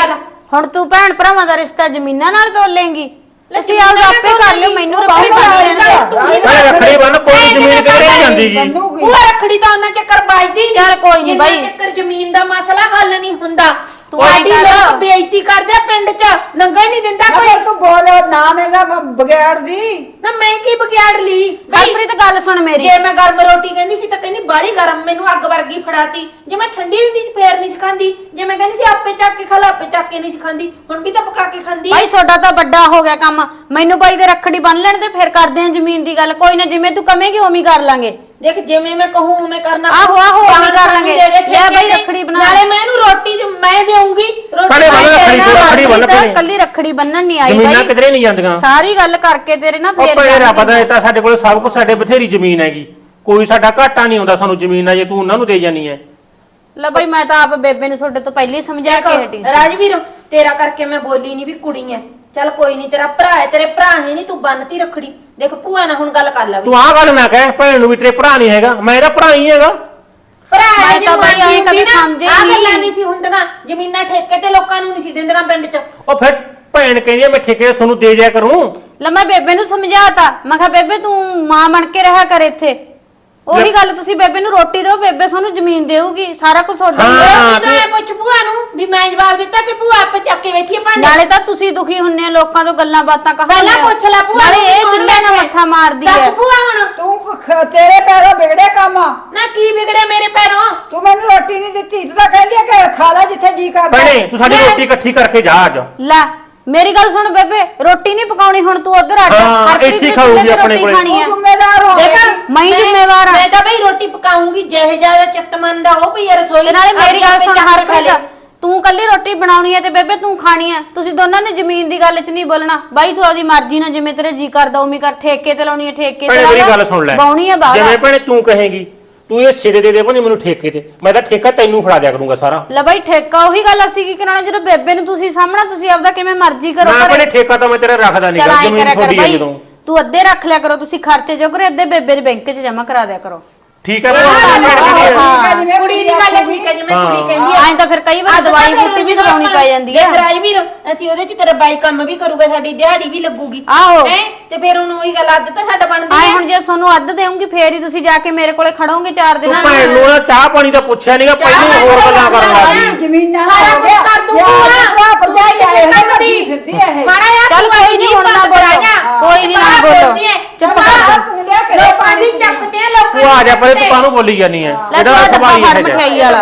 Speaker 4: ਹੁਣ ਤੂੰ ਭੈਣ ਭਰਾਵਾਂ ਦਾ ਰਿਸ਼ਤਾ ਜ਼ਮੀਨਾਂ ਨਾਲ ਤੋਲੇਂਗੀ ਤੁਸੀਂ ਆਪਦਾ ਆਪੇ ਕਰ ਲਿਓ ਮੈਨੂੰ ਰੱਖੜੀ ਬੰਨ ਲੈਣ ਦੇ
Speaker 3: ਭੈਣੇ ਰੱਖੜੀ ਬੰਨ ਕੋਈ ਜ਼ਮੀਨ ਕਿਧਰੇ ਨਹੀਂ ਜਾਂਦੀ ਗੀ
Speaker 2: ਭੂਆ ਰੱਖੜੀ ਤਾਂ ਉਹਨਾਂ ਚੱਕਰ ਵੱਜਦੀ
Speaker 4: ਚੱਲ ਕੋਈ ਨੀ ਬਾਈ।
Speaker 2: ਚੱਕਰ ਜ਼ਮੀਨ ਦਾ ਮਸਲਾ ਹੱਲ ਨਹੀਂ ਹੁੰਦਾ
Speaker 4: ਤੂੰ
Speaker 2: ਸਾਡੀ
Speaker 4: ਐਂ ਕਰ।
Speaker 2: ਲੋਕ ਬੇਇੱਜ਼ਤੀ ਕਰਦੇ ਆ ਪਿੰਡ 'ਚ ਲੰਗਰ ਨਹੀਂ ਦਿੰਦਾ
Speaker 1: ਨਾ
Speaker 2: ਕੋਈ
Speaker 1: ਫਿਰ ਤੂੰ ਬੋਲ ਨਾ ਮੇਰਾ ਬਗੈੜ ਦੀ
Speaker 2: ਨਾ ਮੈਂ ਕੀ ਬਗਿਆੜ ਲਈ
Speaker 4: ਹਰਪ੍ਰੀਤ ਗੱਲ ਸੁਣ ਮੇਰੀ
Speaker 2: ਜੇ ਮੈਂ ਗਰਮ ਰੋਟੀ ਕਹਿੰਦੀ ਸੀ ਤਾਂ ਕਹਿੰਦੀ ਬਾਲੀ ਗਰਮ ਮੈਨੂੰ ਅੱਗ ਵਰਗੀ ਫੜਾਤੀ ਜੇ ਮੈਂ ਠੰਡੀ ਹੁੰਦੀ ਸੀ ਫੇਰ ਨਹੀਂ ਸਿਖਾਂਦੀ ਜੇ ਮੈਂ ਕਹਿੰਦੀ ਸੀ ਆਪੇ ਚੱਕ ਕੇ ਖਾ ਲਾ ਆਪੇ ਚੱਕ ਕੇ ਨਹੀਂ ਸਿਖਾਂਦੀ ਹੁਣ ਵੀ ਤਾਂ ਪਕਾ ਕੇ ਖਾਂਦੀ
Speaker 4: ਭਾਈ ਤੁਹਾਡਾ ਤਾਂ ਵੱਡਾ ਹੋ ਗਿਆ ਕੰਮ ਮੈਨੂੰ ਬਾਈ ਦੇ ਰੱਖੜੀ ਬੰਨ ਲੈਣ ਤੇ ਫਿਰ ਕਰਦੇ ਆਂ ਜ਼ਮੀਨ ਦੀ ਗੱਲ ਕੋਈ ਨਾ ਜਿਵੇਂ ਤੂੰ ਕਹੇਂਗੀ ਉਵੇਂ ਹੀ ਕਰ ਲਾਂਗੇ
Speaker 2: ਦੇਖ ਜਿਵੇਂ ਮੈਂ ਕਹੂੰ ਉਵੇਂ ਕਰਨਾ
Speaker 4: ਆਹੋ, ਆਹੋ, ਉਵੇਂ
Speaker 2: ਬਾਹਰ
Speaker 4: ਕਰ
Speaker 2: ਸਾਨੂੰ
Speaker 4: ਲਾਂਗੇ।
Speaker 2: ਦੇ ਦੇ
Speaker 4: ਲੈ
Speaker 2: ਠੇਕੇ
Speaker 4: ਬਈ
Speaker 2: ਤੇ।
Speaker 4: ਰੱਖੜੀ ਬਣਾ।
Speaker 2: ਨਾਲੇ ਮੈਂ ਇਹਨੂੰ ਰੋਟੀ ਮੈਂ ਦੇਊਂਗੀ
Speaker 3: ਭੈਣੇ ਬੰਨ ਰੱਖੜੀ ਬੰਨ ਭੈਣੇ
Speaker 4: ਕੱਲੀ ਰੱਖੜੀ ਬੰਨਣ ਨਹੀਂ ਆਈ
Speaker 3: ਜ਼ਮੀਨਾਂ
Speaker 4: ਬਾਈ
Speaker 3: ਕਿਧਰੇ ਨਹੀਂ ਜਾਂਦੀਆਂ
Speaker 4: ਸਾਰੀ ਗੱਲ ਕਰਕੇ ਤੇਰੇ ਨਾ
Speaker 3: ਉਹ
Speaker 4: ਫੇਰ
Speaker 3: ਭੈਣੇ ਰੱਬ
Speaker 4: ਜਾਣਗੇ।
Speaker 3: ਦਾ ਦਿੱਤਾ ਸਾਡੇ ਕੋਲ ਸਭ ਕੁਝ ਸਾਡੇ ਬਥੇਰੀ ਜ਼ਮੀਨ ਹੈਗੀ ਕੋਈ ਸਾਡਾ ਘਾਟਾ ਨਹੀਂ ਆਉਂਦਾ ਸਾਨੂੰ ਜ਼ਮੀਨ ਆ ਜੇ ਤੂੰ ਉਹਨਾਂ ਨੂੰ ਦੇ ਜਾਨੀ ਹੈ
Speaker 4: ਲੈ ਬਾਈ ਮੈਂ ਤਾਂ ਆਪ ਬੇਬੇ ਨੂੰ ਤੁਹਾਡੇ ਤੋਂ ਪਹਿਲਾਂ ਹੀ ਸਮਝਾ ਕੇ ਹਟੀ ਸੀ
Speaker 2: ਰਾਜਵੀਰ ਤੇਰਾ ਕਰਕੇ ਮੈਂ ਬੋਲੀ ਨਹੀਂ ਵੀ ਕੁੜੀ ਐ ਚੱਲ ਕੋਈ ਨਹੀਂ ਤੇਰਾ ਭਰਾ ਹੈ ਤੇਰੇ ਭਰਾ ਹੈ ਨਹੀਂ ਤੂੰ ਬੰਨਤੀ ਰੱਖੜੀ ਦੇਖ ਭੂਆ ਨਾਲ ਹੁਣ ਗੱਲ ਕਰ ਲੈ
Speaker 3: ਤੂੰ ਆਹ ਗੱਲ ਨਾ ਕਹਿ ਭੈਣ ਨੂੰ ਵੀ ਤੇਰੇ ਭਰਾ ਨਹੀਂ ਹੈਗਾ ਮੈਂ ਇਹਦਾ ਭਰਾ ਹੀ ਹੈਗਾ
Speaker 2: ਭਰਾ ਹੈ
Speaker 4: ਮੈਂ ਤਾਂ ਬਾਈ ਐਂ ਕਦੇ ਸਮਝੇ
Speaker 2: ਆ
Speaker 4: ਨਹੀਂ।
Speaker 2: ਗੱਲਾਂ ਨਹੀਂ ਸੀ ਹੁੰਦੀਆਂ ਜ਼ਮੀਨਾਂ ਠੇਕੇ ਤੇ ਲੋਕਾਂ ਨੂੰ ਨਹੀਂ ਸੀ ਦਿੰਦੀਆਂ ਪਿੰਡ 'ਚ
Speaker 3: ਉਹ ਫਿਰ ਭੈਣ ਕਹਿੰਦੀ ਆ ਮੈਂ ਠੇਕੇ ਤੁਹਾਨੂੰ ਦੇ ਦਿਆ ਕਰੂੰ
Speaker 4: ਲੈ ਮੈਂ ਬੇਬੇ ਨੂੰ ਸਮਝਾਤਾ ਮੈਂ ਕਿਹਾ ਬੇਬੇ ਤੂੰ ਮਾਂ ਬਣ ਕੇ ਰਿਹਾ ਕਰ ਇੱਥੇ ਉਹੀ ਗੱਲ ਤੁਸੀਂ ਬੇਬੇ ਨੂੰ ਰੋਟੀ ਦਿਓ ਬੇਬੇ ਤੁਹਾਨੂੰ ਜ਼ਮੀਨ ਦੇਊਗੀ ਸਾਰਾ ਕੁਝ ਤੁਹਾਡਾ ਹੀ ਹੈ।
Speaker 3: ਹਾਂ,
Speaker 2: ਜਦੋਂ ਮੈਂ ਪੁੱਛ ਭੂਆ ਨੂੰ ਵੀ ਮੈਂ ਜਵਾਬ ਦਿੱਤਾ ਕਿ ਭੂਆ ਆਪੇ ਚੱਕ ਕੇ ਬੈਠੀ ਹੈ ਭਾਂਡੇ
Speaker 4: ਨਾਲੇ ਤਾਂ ਤੁਸੀਂ ਦੁਖੀ ਹੁੰਨੇ ਆ ਲੋਕਾਂ ਤੋਂ ਗੱਲਾਂ ਬਾਤਾਂ ਕਹਾਉਂਦੇ
Speaker 2: ਪਹਿਲਾਂ
Speaker 4: ਹੋ।
Speaker 2: ਪੁੱਛ ਲੈ ਭੂਆ
Speaker 4: ਨਾਲੇ
Speaker 2: ਨੂੰ
Speaker 4: ਇਹ
Speaker 2: ਕੌਣ
Speaker 4: ਚੁੱਲ੍ਹੇ ਨਾਲ
Speaker 2: ਬੈਠਾ
Speaker 4: ਮੱਥਾ ਮਾਰਦੀ
Speaker 2: ਦੱਸ
Speaker 4: ਹੈ
Speaker 2: ਭੂਆ ਹੁਣ
Speaker 1: ਤੂੰ ਤੇਰੇ ਪੈਰੋਂ ਵਿਗੜੇ ਕੰਮ
Speaker 2: ਨਾ ਕੀ ਵਿਗੜਿਆ ਮੇਰੇ ਪੈਰੋਂ
Speaker 1: ਤੂੰ ਮੈਨੂੰ ਰੋਟੀ ਨਹੀਂ ਦਿੱਤੀ ਤੂੰ ਤਾਂ ਕਹਿੰਦੀ ਆ ਕਿ ਖਾ ਲੈ ਜਿੱਥੇ ਜੀ ਕਰਦਾ
Speaker 3: ਭੈਣੇ ਤੂੰ ਸਾਡੀ ਰੋਟੀ ਇਕੱਠੀ ਕਰਕੇ ਜਾ ਅੱਜ
Speaker 4: ਲੈ ਮੇਰੀ ਗੱਲ ਸੁਣ ਬੇਬੇ ਰੋਟੀ ਨਹੀਂ ਪਕਾਉਣੀ ਹੁਣ ਤੂੰ ਉਧਰ ਅੱਡ
Speaker 3: ਹਾਂ,
Speaker 4: ਹਰਪ੍ਰੀਤ
Speaker 3: ਇੱਥੇ
Speaker 4: ਦੇ
Speaker 3: ਖਾਊਗੀ
Speaker 4: ਚੁੱਲ੍ਹੇ ਤੇ
Speaker 3: ਆਪਣੇ
Speaker 4: ਰੋਟੀ
Speaker 3: ਕੋਲੇ।
Speaker 4: ਖਾਣੀ
Speaker 1: ਤੂੰ
Speaker 4: ਹੈ
Speaker 1: ਜ਼ਿੰਮੇਦਾਰ ਹੋ
Speaker 2: ਦੇਖ
Speaker 4: ਮੈਂ ਹੀ ਜ਼ਿੰਮੇਵਾਰ ਹਾਂ।
Speaker 2: ਮੈਂ ਤਾਂ ਬਈ ਰੋਟੀ ਪਕਾਉਂਗੀ ਜਿਹੇ ਜਿਆਦਾ ਚਿੱਤਮੰਦ ਆ ਉਹ ਪਈ ਆ ਰਸੋਈ
Speaker 4: ਤੇ ਨਾਲੇ ਮੇਰੀ ਗੱਲ
Speaker 2: ਆਪੇ
Speaker 4: ਸੁਣ
Speaker 2: ਚੱਕ ਕੇ ਖਾ ਲੈ।
Speaker 4: ਹਰਪ੍ਰੀਤ ਤੂੰ ਕੱਲੀ ਰੋਟੀ ਬਣਾਉਣੀ ਹੈ ਤੇ ਬੇਬੇ ਤੂੰ ਖਾਣੀ ਹੈ ਤੁਸੀਂ ਦੋਨਾਂ ਨੇ ਜ਼ਮੀਨ ਦੀ ਗੱਲ 'ਚ ਨਹੀਂ ਬੋਲਣਾ ਬਾਈ ਤੂੰ ਆਪਦੀ ਮਰਜ਼ੀ ਨਾਲ ਜਿਵੇਂ ਤੇਰੇ ਜੀ ਕਰਦਾ ਉਵੇਂ ਕਰ ਠੇਕੇ ਤੇ ਲਾਉਣੀ ਹੈ ਠੇਕੇ
Speaker 3: ਭੈਣੇ
Speaker 4: ਲਾ
Speaker 3: ਮੇਰੀ
Speaker 4: ਲਾ।
Speaker 3: ਗੱਲ ਸੁਣ ਲੈ
Speaker 4: ਬਾਉਣੀ ਹੈ ਬਾਹਰ
Speaker 3: ਜਿਵੇਂ ਭੈਣੇ ਤੂੰ ਕਹੇਂਗੀ ਤੂੰ ਇਹ ਸਿਰੇ ਦੇ ਭਾਵੇਂ ਮੈਨੂੰ ਠੇਕੇ ਤੇ ਮੈਂ ਤਾਂ ਠੇਕਾ ਤੈਨੂੰ ਫੜਾ ਦਿਆ ਕਰੂੰਗਾ ਸਾਰਾ
Speaker 4: ਲੈ ਬਾਈ ਠੇਕਾ ਉਹੀ ਗੱਲ ਅਸੀਂ ਕੀ ਕਰਾਉਣਾ ਜਦੋਂ ਬੇਬੇ ਨੂੰ ਤੁਸੀਂ ਸਾਹਮਣਾ ਤੁਸੀਂ ਆਪਦਾ ਕਿਵੇਂ ਮਰਜ਼ੀ ਕਰੋ
Speaker 3: ਨਾ
Speaker 4: ਘਰੇ।
Speaker 3: ਭੈਣੇ ਠੇਕਾ ਤਾਂ ਮੈਂ ਤੇਰਾ ਰੱਖਦਾ ਨਹੀਂ
Speaker 4: ਚੱਲ
Speaker 3: ਗਾ
Speaker 4: ਆਏਂ
Speaker 3: ਜ਼ਮੀਨ
Speaker 4: ਕਰਿਆ ਕਰ
Speaker 3: ਛੋਡੀ ਹੈ
Speaker 4: ਬਾਈ,
Speaker 3: ਜਦੋਂ
Speaker 4: ਤੂੰ ਅੱਧੇ ਰੱਖ ਲਿਆ ਕਰੋ ਤੁਸੀਂ ਖਰਚੇ ਜੋ ਕਰੋ ਅੱਧੇ ਬੇਬੇ ਦੇ ਬੈਂਕ 'ਚ ਜਮਾ ਕਰਾ ਦਿਆ ਕਰੋ
Speaker 3: ਠੀਕ ਹੈ
Speaker 2: ਹਾਂ,
Speaker 3: ਭੈਣੇ
Speaker 1: ਹਾਂ। ਜਿਵੇਂ
Speaker 2: ਕੁੜੀ ਦੀ ਗੱਲ ਠੀਕ ਹੈ ਜਿਵੇਂ ਕੁੜੀ ਕਹਿੰਦੀ
Speaker 4: ਐਂ ਤਾਂ ਫਿਰ ਕਈ ਵਾਰ ਦਵਾਈ ਬੂਟੀ ਵੀ ਦਵਾਉਣੀ ਪੈ ਜਾਂਦੀ ਹੈ
Speaker 2: ਰਾਜਵੀਰ ਅਸੀਂ ਉਹਦੇ ਚ ਤੇਰਾ ਬਾਈ ਕੰਮ ਵੀ ਕਰੂਗਾ ਸਾਡੀ ਦਿਹਾੜੀ ਵੀ ਲੱਗੂਗੀ
Speaker 4: ਆਹੋ।
Speaker 2: ਹੈਂ? ਤੇ ਫਿਰ ਉਹਨੂੰ ਉਹੀ ਗੱਲ ਅੱਧ ਤਾਂ ਸਾਡਾ ਬਣਦੀ
Speaker 4: ਆਏ
Speaker 2: ਹੈ
Speaker 4: ਹੁਣ ਜੇ ਤੁਹਾਨੂੰ ਅੱਧ ਦੇਵਾਂਗੀ ਫੇਰ ਹੀ ਤੁਸੀਂ ਜਾ ਕੇ ਮੇਰੇ ਕੋਲੇ ਖੜੋਗੇ 4 ਦਿਨ
Speaker 3: ਤੂੰ ਭੈਣ ਨੂੰ ਨਾ ਚਾਹ ਪਾਣੀ ਦਾ ਪੁੱਛਿਆ ਨਹੀਂਗਾ ਪਹਿਲਾਂ ਹੋਰ ਗੱਲਾਂ ਕਰਨ ਲੱਗੀ
Speaker 1: ਜ਼ਮੀਨਾਂ
Speaker 2: ਸਾਰਾ
Speaker 1: ਹੋ
Speaker 2: ਕੁਝ
Speaker 1: ਗਿਆ।
Speaker 2: ਕਰ ਦੂੰਗੀ
Speaker 1: ਯਾਰ,
Speaker 2: ਭੂਆ।
Speaker 1: ਭਰਾ ਭਰਜਾਈ
Speaker 2: ਤੂੰ ਕਿਸੇ
Speaker 1: ਆਏ
Speaker 2: ਕੰਮ
Speaker 1: ਹੋਏ
Speaker 2: ਦੀ।
Speaker 1: ਫਿਰਦੀ ਹੈ ਇਹ।
Speaker 2: ਮਾੜਾ ਜਿਹਾ
Speaker 4: ਚੱਲ
Speaker 2: ਭੂਆ
Speaker 4: ਕੋਈ
Speaker 2: ਜੀ
Speaker 4: ਨੀ, ਹੁਣ ਨਾ
Speaker 2: ਬੰਦ
Speaker 4: ਬੋਲੋ।
Speaker 2: ਕਰਾਈਆਂ।
Speaker 4: ਕੋਈ ਨੀ, ਨਾ
Speaker 2: ਬਾਹਰ
Speaker 4: ਬੋਲੋ।
Speaker 2: ਬੋਲਦੀ ਹੈ।
Speaker 4: ਚੁੱਪ
Speaker 2: ਬਾਹਰ
Speaker 4: ਕਰ ਜਾ।
Speaker 1: ਤੂੰ ਲਿਆ ਕੇ
Speaker 2: ਲੋਕਾਂ ਦੀ ਚੱਕਦੇ ਆ ਲੋਕਾਂ
Speaker 3: ਤੂੰ ਆ ਜਾ ਪਰੇ ਤੂੰ
Speaker 2: ਚੱਕਦੇ।
Speaker 3: ਕਾਹਨੂੰ ਬੋਲੀ ਜਾਨੀ ਹੈ
Speaker 4: ਲੈ
Speaker 3: ਇਹਦਾ
Speaker 4: ਤੂੰ
Speaker 3: ਸੁਭਾਅ ਹੀ
Speaker 4: ਫੜ
Speaker 3: ਇਹ ਜਿਹਾ
Speaker 4: ਮਠਿਆਈ ਵਾਲਾ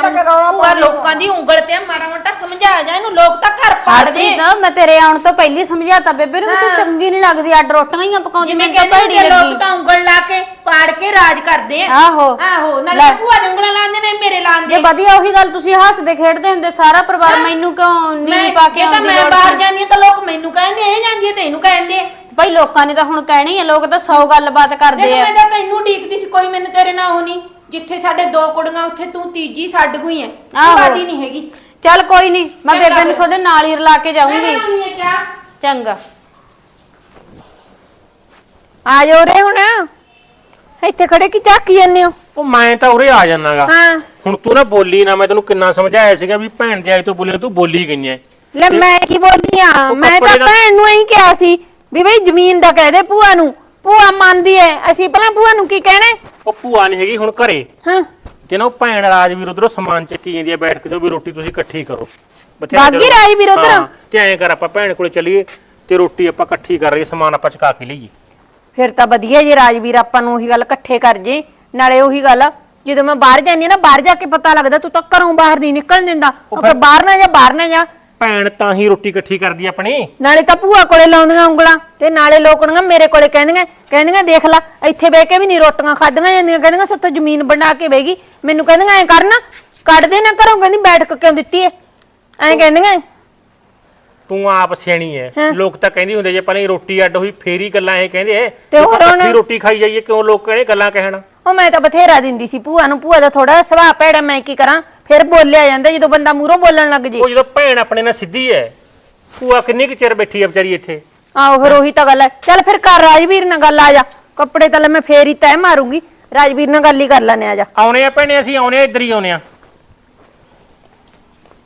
Speaker 2: ਭੂਆ ਲੋਕਾਂ ਦੀ ਉਂਗਲ ਤੇ ਮਾੜਾ ਮੋਟਾ ਸਮਝਾ ਜਾ ਇਹਨੂੰ ਲੋਕ ਤਾਂ ਘਰ ਪਾੜਦੇ
Speaker 4: ਹਰਪ੍ਰੀਤ ਮੈਂ ਤੇਰੇ ਆਉਣ ਤੋਂ ਪਹਿਲੀ ਸਮਝਾਤਾ ਬੇਬੇ ਨੂੰ ਵੀ ਤੂੰ ਚੰਗੀ ਨਹੀਂ ਲੱਗਦੀ ਅੱਡ ਰੋਟੀਆਂ ਹੀ ਪਕਾਉਂਦੀ
Speaker 2: ਜਿਵੇਂ
Speaker 4: ਮੈਨੂੰ ਤਾਂ
Speaker 2: ਕਹਿੰਦੇ
Speaker 4: ਭੈੜੀ
Speaker 2: ਹੁੰਦੇ ਆ, ਲੋਕ
Speaker 4: ਲੱਗੀ
Speaker 2: ਤਾਂ ਉਂਗਲ ਲਾ ਕੇ ਪਾੜ ਕੇ ਰਾਜ ਕਰਦੇ ਆ
Speaker 4: ਆਹੋ
Speaker 2: ਆਹੋ ਨਾਲੇ
Speaker 4: ਲੈ।
Speaker 2: ਭੂਆ ਦੇ ਉਂਗਲਾਂ ਲਾਉਂਦੇ ਨੇ ਮੇਰੇ
Speaker 4: ਜੇ
Speaker 2: ਲਾਉਂਦੇ
Speaker 4: ਵਧੀਆ ਉਹੀ ਗੱਲ ਤੁਸੀਂ ਹੱਸਦੇ ਖੇਡਦੇ ਹੁੰਦੇ ਸਾਰਾ ਪਰਿਵਾਰ ਮੈਨੂੰ ਕਿਉਂ ਨਹੀਂ ਪਾ ਕੇ
Speaker 2: ਜੇ ਤਾਂ
Speaker 4: ਆਉਂਦੀ
Speaker 2: ਮੈਂ
Speaker 4: ਲੋੜ
Speaker 2: ਬਾਹਰ
Speaker 4: ਸੀ?
Speaker 2: ਜਾਂਦੀ ਹਾਂ ਤਾਂ ਲੋਕ ਮੈਨੂੰ ਕਹਿੰਦੇ ਇਹ ਜਾਂਦੀ ਹੈ ਤੇ ਇਹਨੂੰ ਕਹਿੰਦੇ ਆ
Speaker 4: ਭਾਈ ਲੋਕਾਂ ਨੇ ਤਾਂ ਹੁਣ ਕਹਿਣਾ ਹੀ ਆ ਲੋਕ ਤਾਂ 100 ਗੱਲਬਾਤ ਕਰਦੇ
Speaker 2: ਦੇਖ
Speaker 4: ਆ
Speaker 2: ਮੈਂ ਤਾਂ ਤੈਨੂੰ ਡੀਕਦੀ ਸੀ ਕੋਈ ਮੈਨੂੰ ਤੇਰੇ ਨਾਲ ਹੋਣੀ ਜਿੱਥੇ ਸਾਡੇ ਦੋ ਕੁੜੀਆਂ ਉੱਥੇ ਤੂੰ ਤੀਜੀ ਛੱਡ ਗਈ ਐ
Speaker 4: ਆਹੋ।
Speaker 2: ਬਾਦੀ ਨਹੀਂ ਹੈਗੀ
Speaker 4: ਚੱਲ ਕੋਈ ਨਹੀਂ ਮੈਂ
Speaker 2: ਚੰਗਾ
Speaker 4: ਬੇਬੇ ਨੂੰ
Speaker 2: ਫਿਰ।
Speaker 4: ਤੁਹਾਡੇ ਨਾਲ ਹੀ ਰਲਾ ਕੇ
Speaker 2: ਮੈਂ
Speaker 4: ਜਾਊਂਗੀ
Speaker 2: ਬਣਾਉਣੀ ਹੈ ਚਾਹ
Speaker 4: ਚੰਗਾ
Speaker 2: ਆ ਜਾਓ ਰੇ ਹੁਣ ਇੱਥੇ ਖੜੇ ਕੀ ਝਾਕੀ ਜਾਂਦੇ ਹੋ
Speaker 3: ਉਹ ਮੈਂ ਤਾਂ ਉਰੇ ਆ ਜਾਣਾਗਾ
Speaker 2: ਹਾਂ
Speaker 3: ਹੁਣ ਤੂੰ ਨਾ ਬੋਲੀ ਨਾ ਮੈਂ ਤੈਨੂੰ ਕਿੰਨਾ ਸਮਝਾਇਆ ਸੀਗਾ ਵੀ ਭੈਣ ਦੇ ਆਈ ਤੋਂ ਬੋਲੀ ਤੂੰ ਬੋਲੀ ਗਈ ਐ
Speaker 2: ਲੈ ਮੈਂ ਕੀ ਬੋਲੀ ਆ
Speaker 3: ਉਹ
Speaker 2: ਮੈਂ
Speaker 3: ਕੱਪੜੇ
Speaker 2: ਤਾਂ
Speaker 3: ਦਾ-
Speaker 2: ਭੈਣ ਨੂੰ ਇਹੀ ਕਿਹਾ ਸੀ ਵੀ ਬਈ ਜ਼ਮੀਨ ਦਾ ਕਹਿ ਦੇ ਭੂਆ ਨੂੰ ਭੂਆ ਮੰਨਦੀ ਐ ਅਸੀਂ ਪਹਿਲਾਂ ਭੂਆ ਨੂੰ ਕੀ ਕਹਿਣਾ
Speaker 3: ਉਹ ਭੂਆ ਨਹੀਂ ਹੈਗੀ ਹੁਣ ਘਰੇ
Speaker 2: ਹਾਂ
Speaker 3: ਤੇ ਨਾ ਉਹ ਭੈਣ ਰਾਜਵੀਰ ਉਧਰੋਂ ਸਮਾਨ ਚੱਕੀ ਜਾਂਦੀ ਆ ਬੈਠ ਕੇ ਤੇ ਵੀ ਰੋਟੀ ਤੁਸੀਂ ਇਕੱਠੀ ਕਰੋ ਬਥੇਰਾ
Speaker 2: ਬਾਗੀ
Speaker 3: ਚਲੋ।
Speaker 2: ਰਾਜਵੀਰ ਉੱਧਰ?
Speaker 3: ਹਾਂ, ਤੇ ਐਂ ਕਰ ਆਪਾਂ ਭੈਣ ਕੋਲੇ ਚੱਲੀਏ ਤੇ ਰੋਟੀ ਆਪਾਂ ਇਕੱਠੀ ਕਰ ਰਹੀਏ ਸਮਾਨ ਆਪਾਂ ਚਕਾ ਕੇ ਲਈਏ
Speaker 2: ਫਿਰ ਤਾਂ ਵਧੀਆ ਜੇ ਰਾਜਵੀਰ ਆਪਾਂ ਨੂੰ ਉਹੀ ਗੱਲ ਇਕੱਠੇ ਕਰ ਜੇ ਨਾਲੇ ਉਹੀ ਗੱਲ ਜਦੋਂ ਮੈਂ ਬਾਹਰ ਜਾਂਦੀ ਆ ਨਾ ਬਾਹਰ ਜਾ ਕੇ ਪਤਾ ਲੱਗਦਾ ਤੂੰ ਤਾਂ ਘਰੋਂ ਬਾਹਰ ਨਹੀਂ ਨਿਕਲਣ ਦਿੰਦਾ ਉਹ ਫਿਰ ਬਾਹਰ ਨਾ ਜਾ
Speaker 3: ਭੈਣ ਤਾਂ ਹੀ ਰੋਟੀ ਇਕੱਠੀ ਕਰਦੀ ਆ ਆਪਣੀ
Speaker 2: ਨਾਲੇ ਤਾਂ ਭੂਆ ਕੋਲੇ ਲਾਉਂਦੀਆਂ ਉਂਗਲਾਂ ਤੇ ਨਾਲੇ ਲੋਕਣੀਆਂ ਮੇਰੇ ਕੋਲੇ ਕਹਿੰਦੀਆਂ ਦੇਖ ਲੈ ਇੱਥੇ ਬਹਿ ਕੇ ਵੀ ਨਹੀਂ ਰੋਟੀਆਂ ਖਾਧੀਆਂ ਜਾਂਦੀਆਂ ਕਹਿੰਦੀਆਂ ਸੱਤੋਂ ਜ਼ਮੀਨ ਬਣਾ ਕੇ ਬਹਿਗੀ ਮੈਨੂੰ ਕਹਿੰਦੀਆਂ ਐ ਕਰਨਾ ਕੱਢ ਦੇ ਨਾ ਘਰੋਂ ਕਹਿੰਦੀ ਬੈਠ ਕੇ ਕਿਉਂ ਦਿੱਤੀ ਐ ਐਂ ਕਹਿੰਦੀਆਂ
Speaker 3: ਤੂੰ ਆਪ ਸਿਆਣੀ ਐ ਲੋਕ ਤਾਂ ਕਹਿੰਦੇ ਹੁੰਦੇ ਜੇ ਪਹਿਲਾਂ ਹੀ ਰੋਟੀ ਅੱਡ ਹੋਈ ਫੇਰ ਹੀ ਗੱਲਾਂ ਇਹ ਕਹਿੰਦੇ ਐ
Speaker 2: ਤੇ ਹੋਰ ਹੁਣ?
Speaker 3: ਇਕੱਠੀ ਰੋਟੀ ਖਾਈ ਜਾਈਏ ਕਿਉਂ ਲੋਕ ਕਹਿੰਦੇ ਗੱਲਾਂ ਕਹਿਣ
Speaker 2: ਉਹ ਮੈਂ ਤਾਂ ਬਥੇਰਾ ਦਿੰਦੀ ਸੀ ਭੂਆ ਨੂੰ ਭੂਆ ਦਾ ਥੋੜਾ ਸੁਭਾਅ ਭੈੜਾ ਮੈਂ ਕੀ ਕਰਾਂ ਫਿਰ ਬੋਲਿਆ ਜਾਂਦਾ ਜਦੋਂ ਬੰਦਾ ਮੂਹਰੋਂ ਬੋਲਣ ਲੱਗ ਜੇ
Speaker 3: ਉਹ ਜਦੋਂ ਭੈਣ ਆਪਣੇ ਨਾਲ ਸਿੱਧੀ ਐ ਭੂਆ ਕਿੰਨੀ ਕੁ ਚਿਰ ਬੈਠੀ ਐ ਵਿਚਾਰੀ ਇੱਥੇ
Speaker 2: ਆਹੋ ਫਿਰ ਉਹੀ ਤਾਂ ਗੱਲ ਹੈ ਚੱਲ ਫਿਰ ਕਰ ਰਾਜਵੀਰ ਨਾਲ ਗੱਲ ਆ ਜਾ ਕੱਪੜੇ ਤਾਂ ਲੈ ਮੈਂ ਫੇਰ ਹੀ ਤੈਅ ਮਾਰੂੰਗੀ ਰਾਜਵੀਰ ਨਾਲ ਗੱਲ ਹੀ ਕਰ ਲੈਣੇ ਆ ਜਾ
Speaker 3: ਆਉਣੇ ਆ ਭੈਣੇ ਅਸੀਂ ਆਉਣੇ ਆ ਇੱਧਰ ਹੀ ਆਉਣੇ ਆ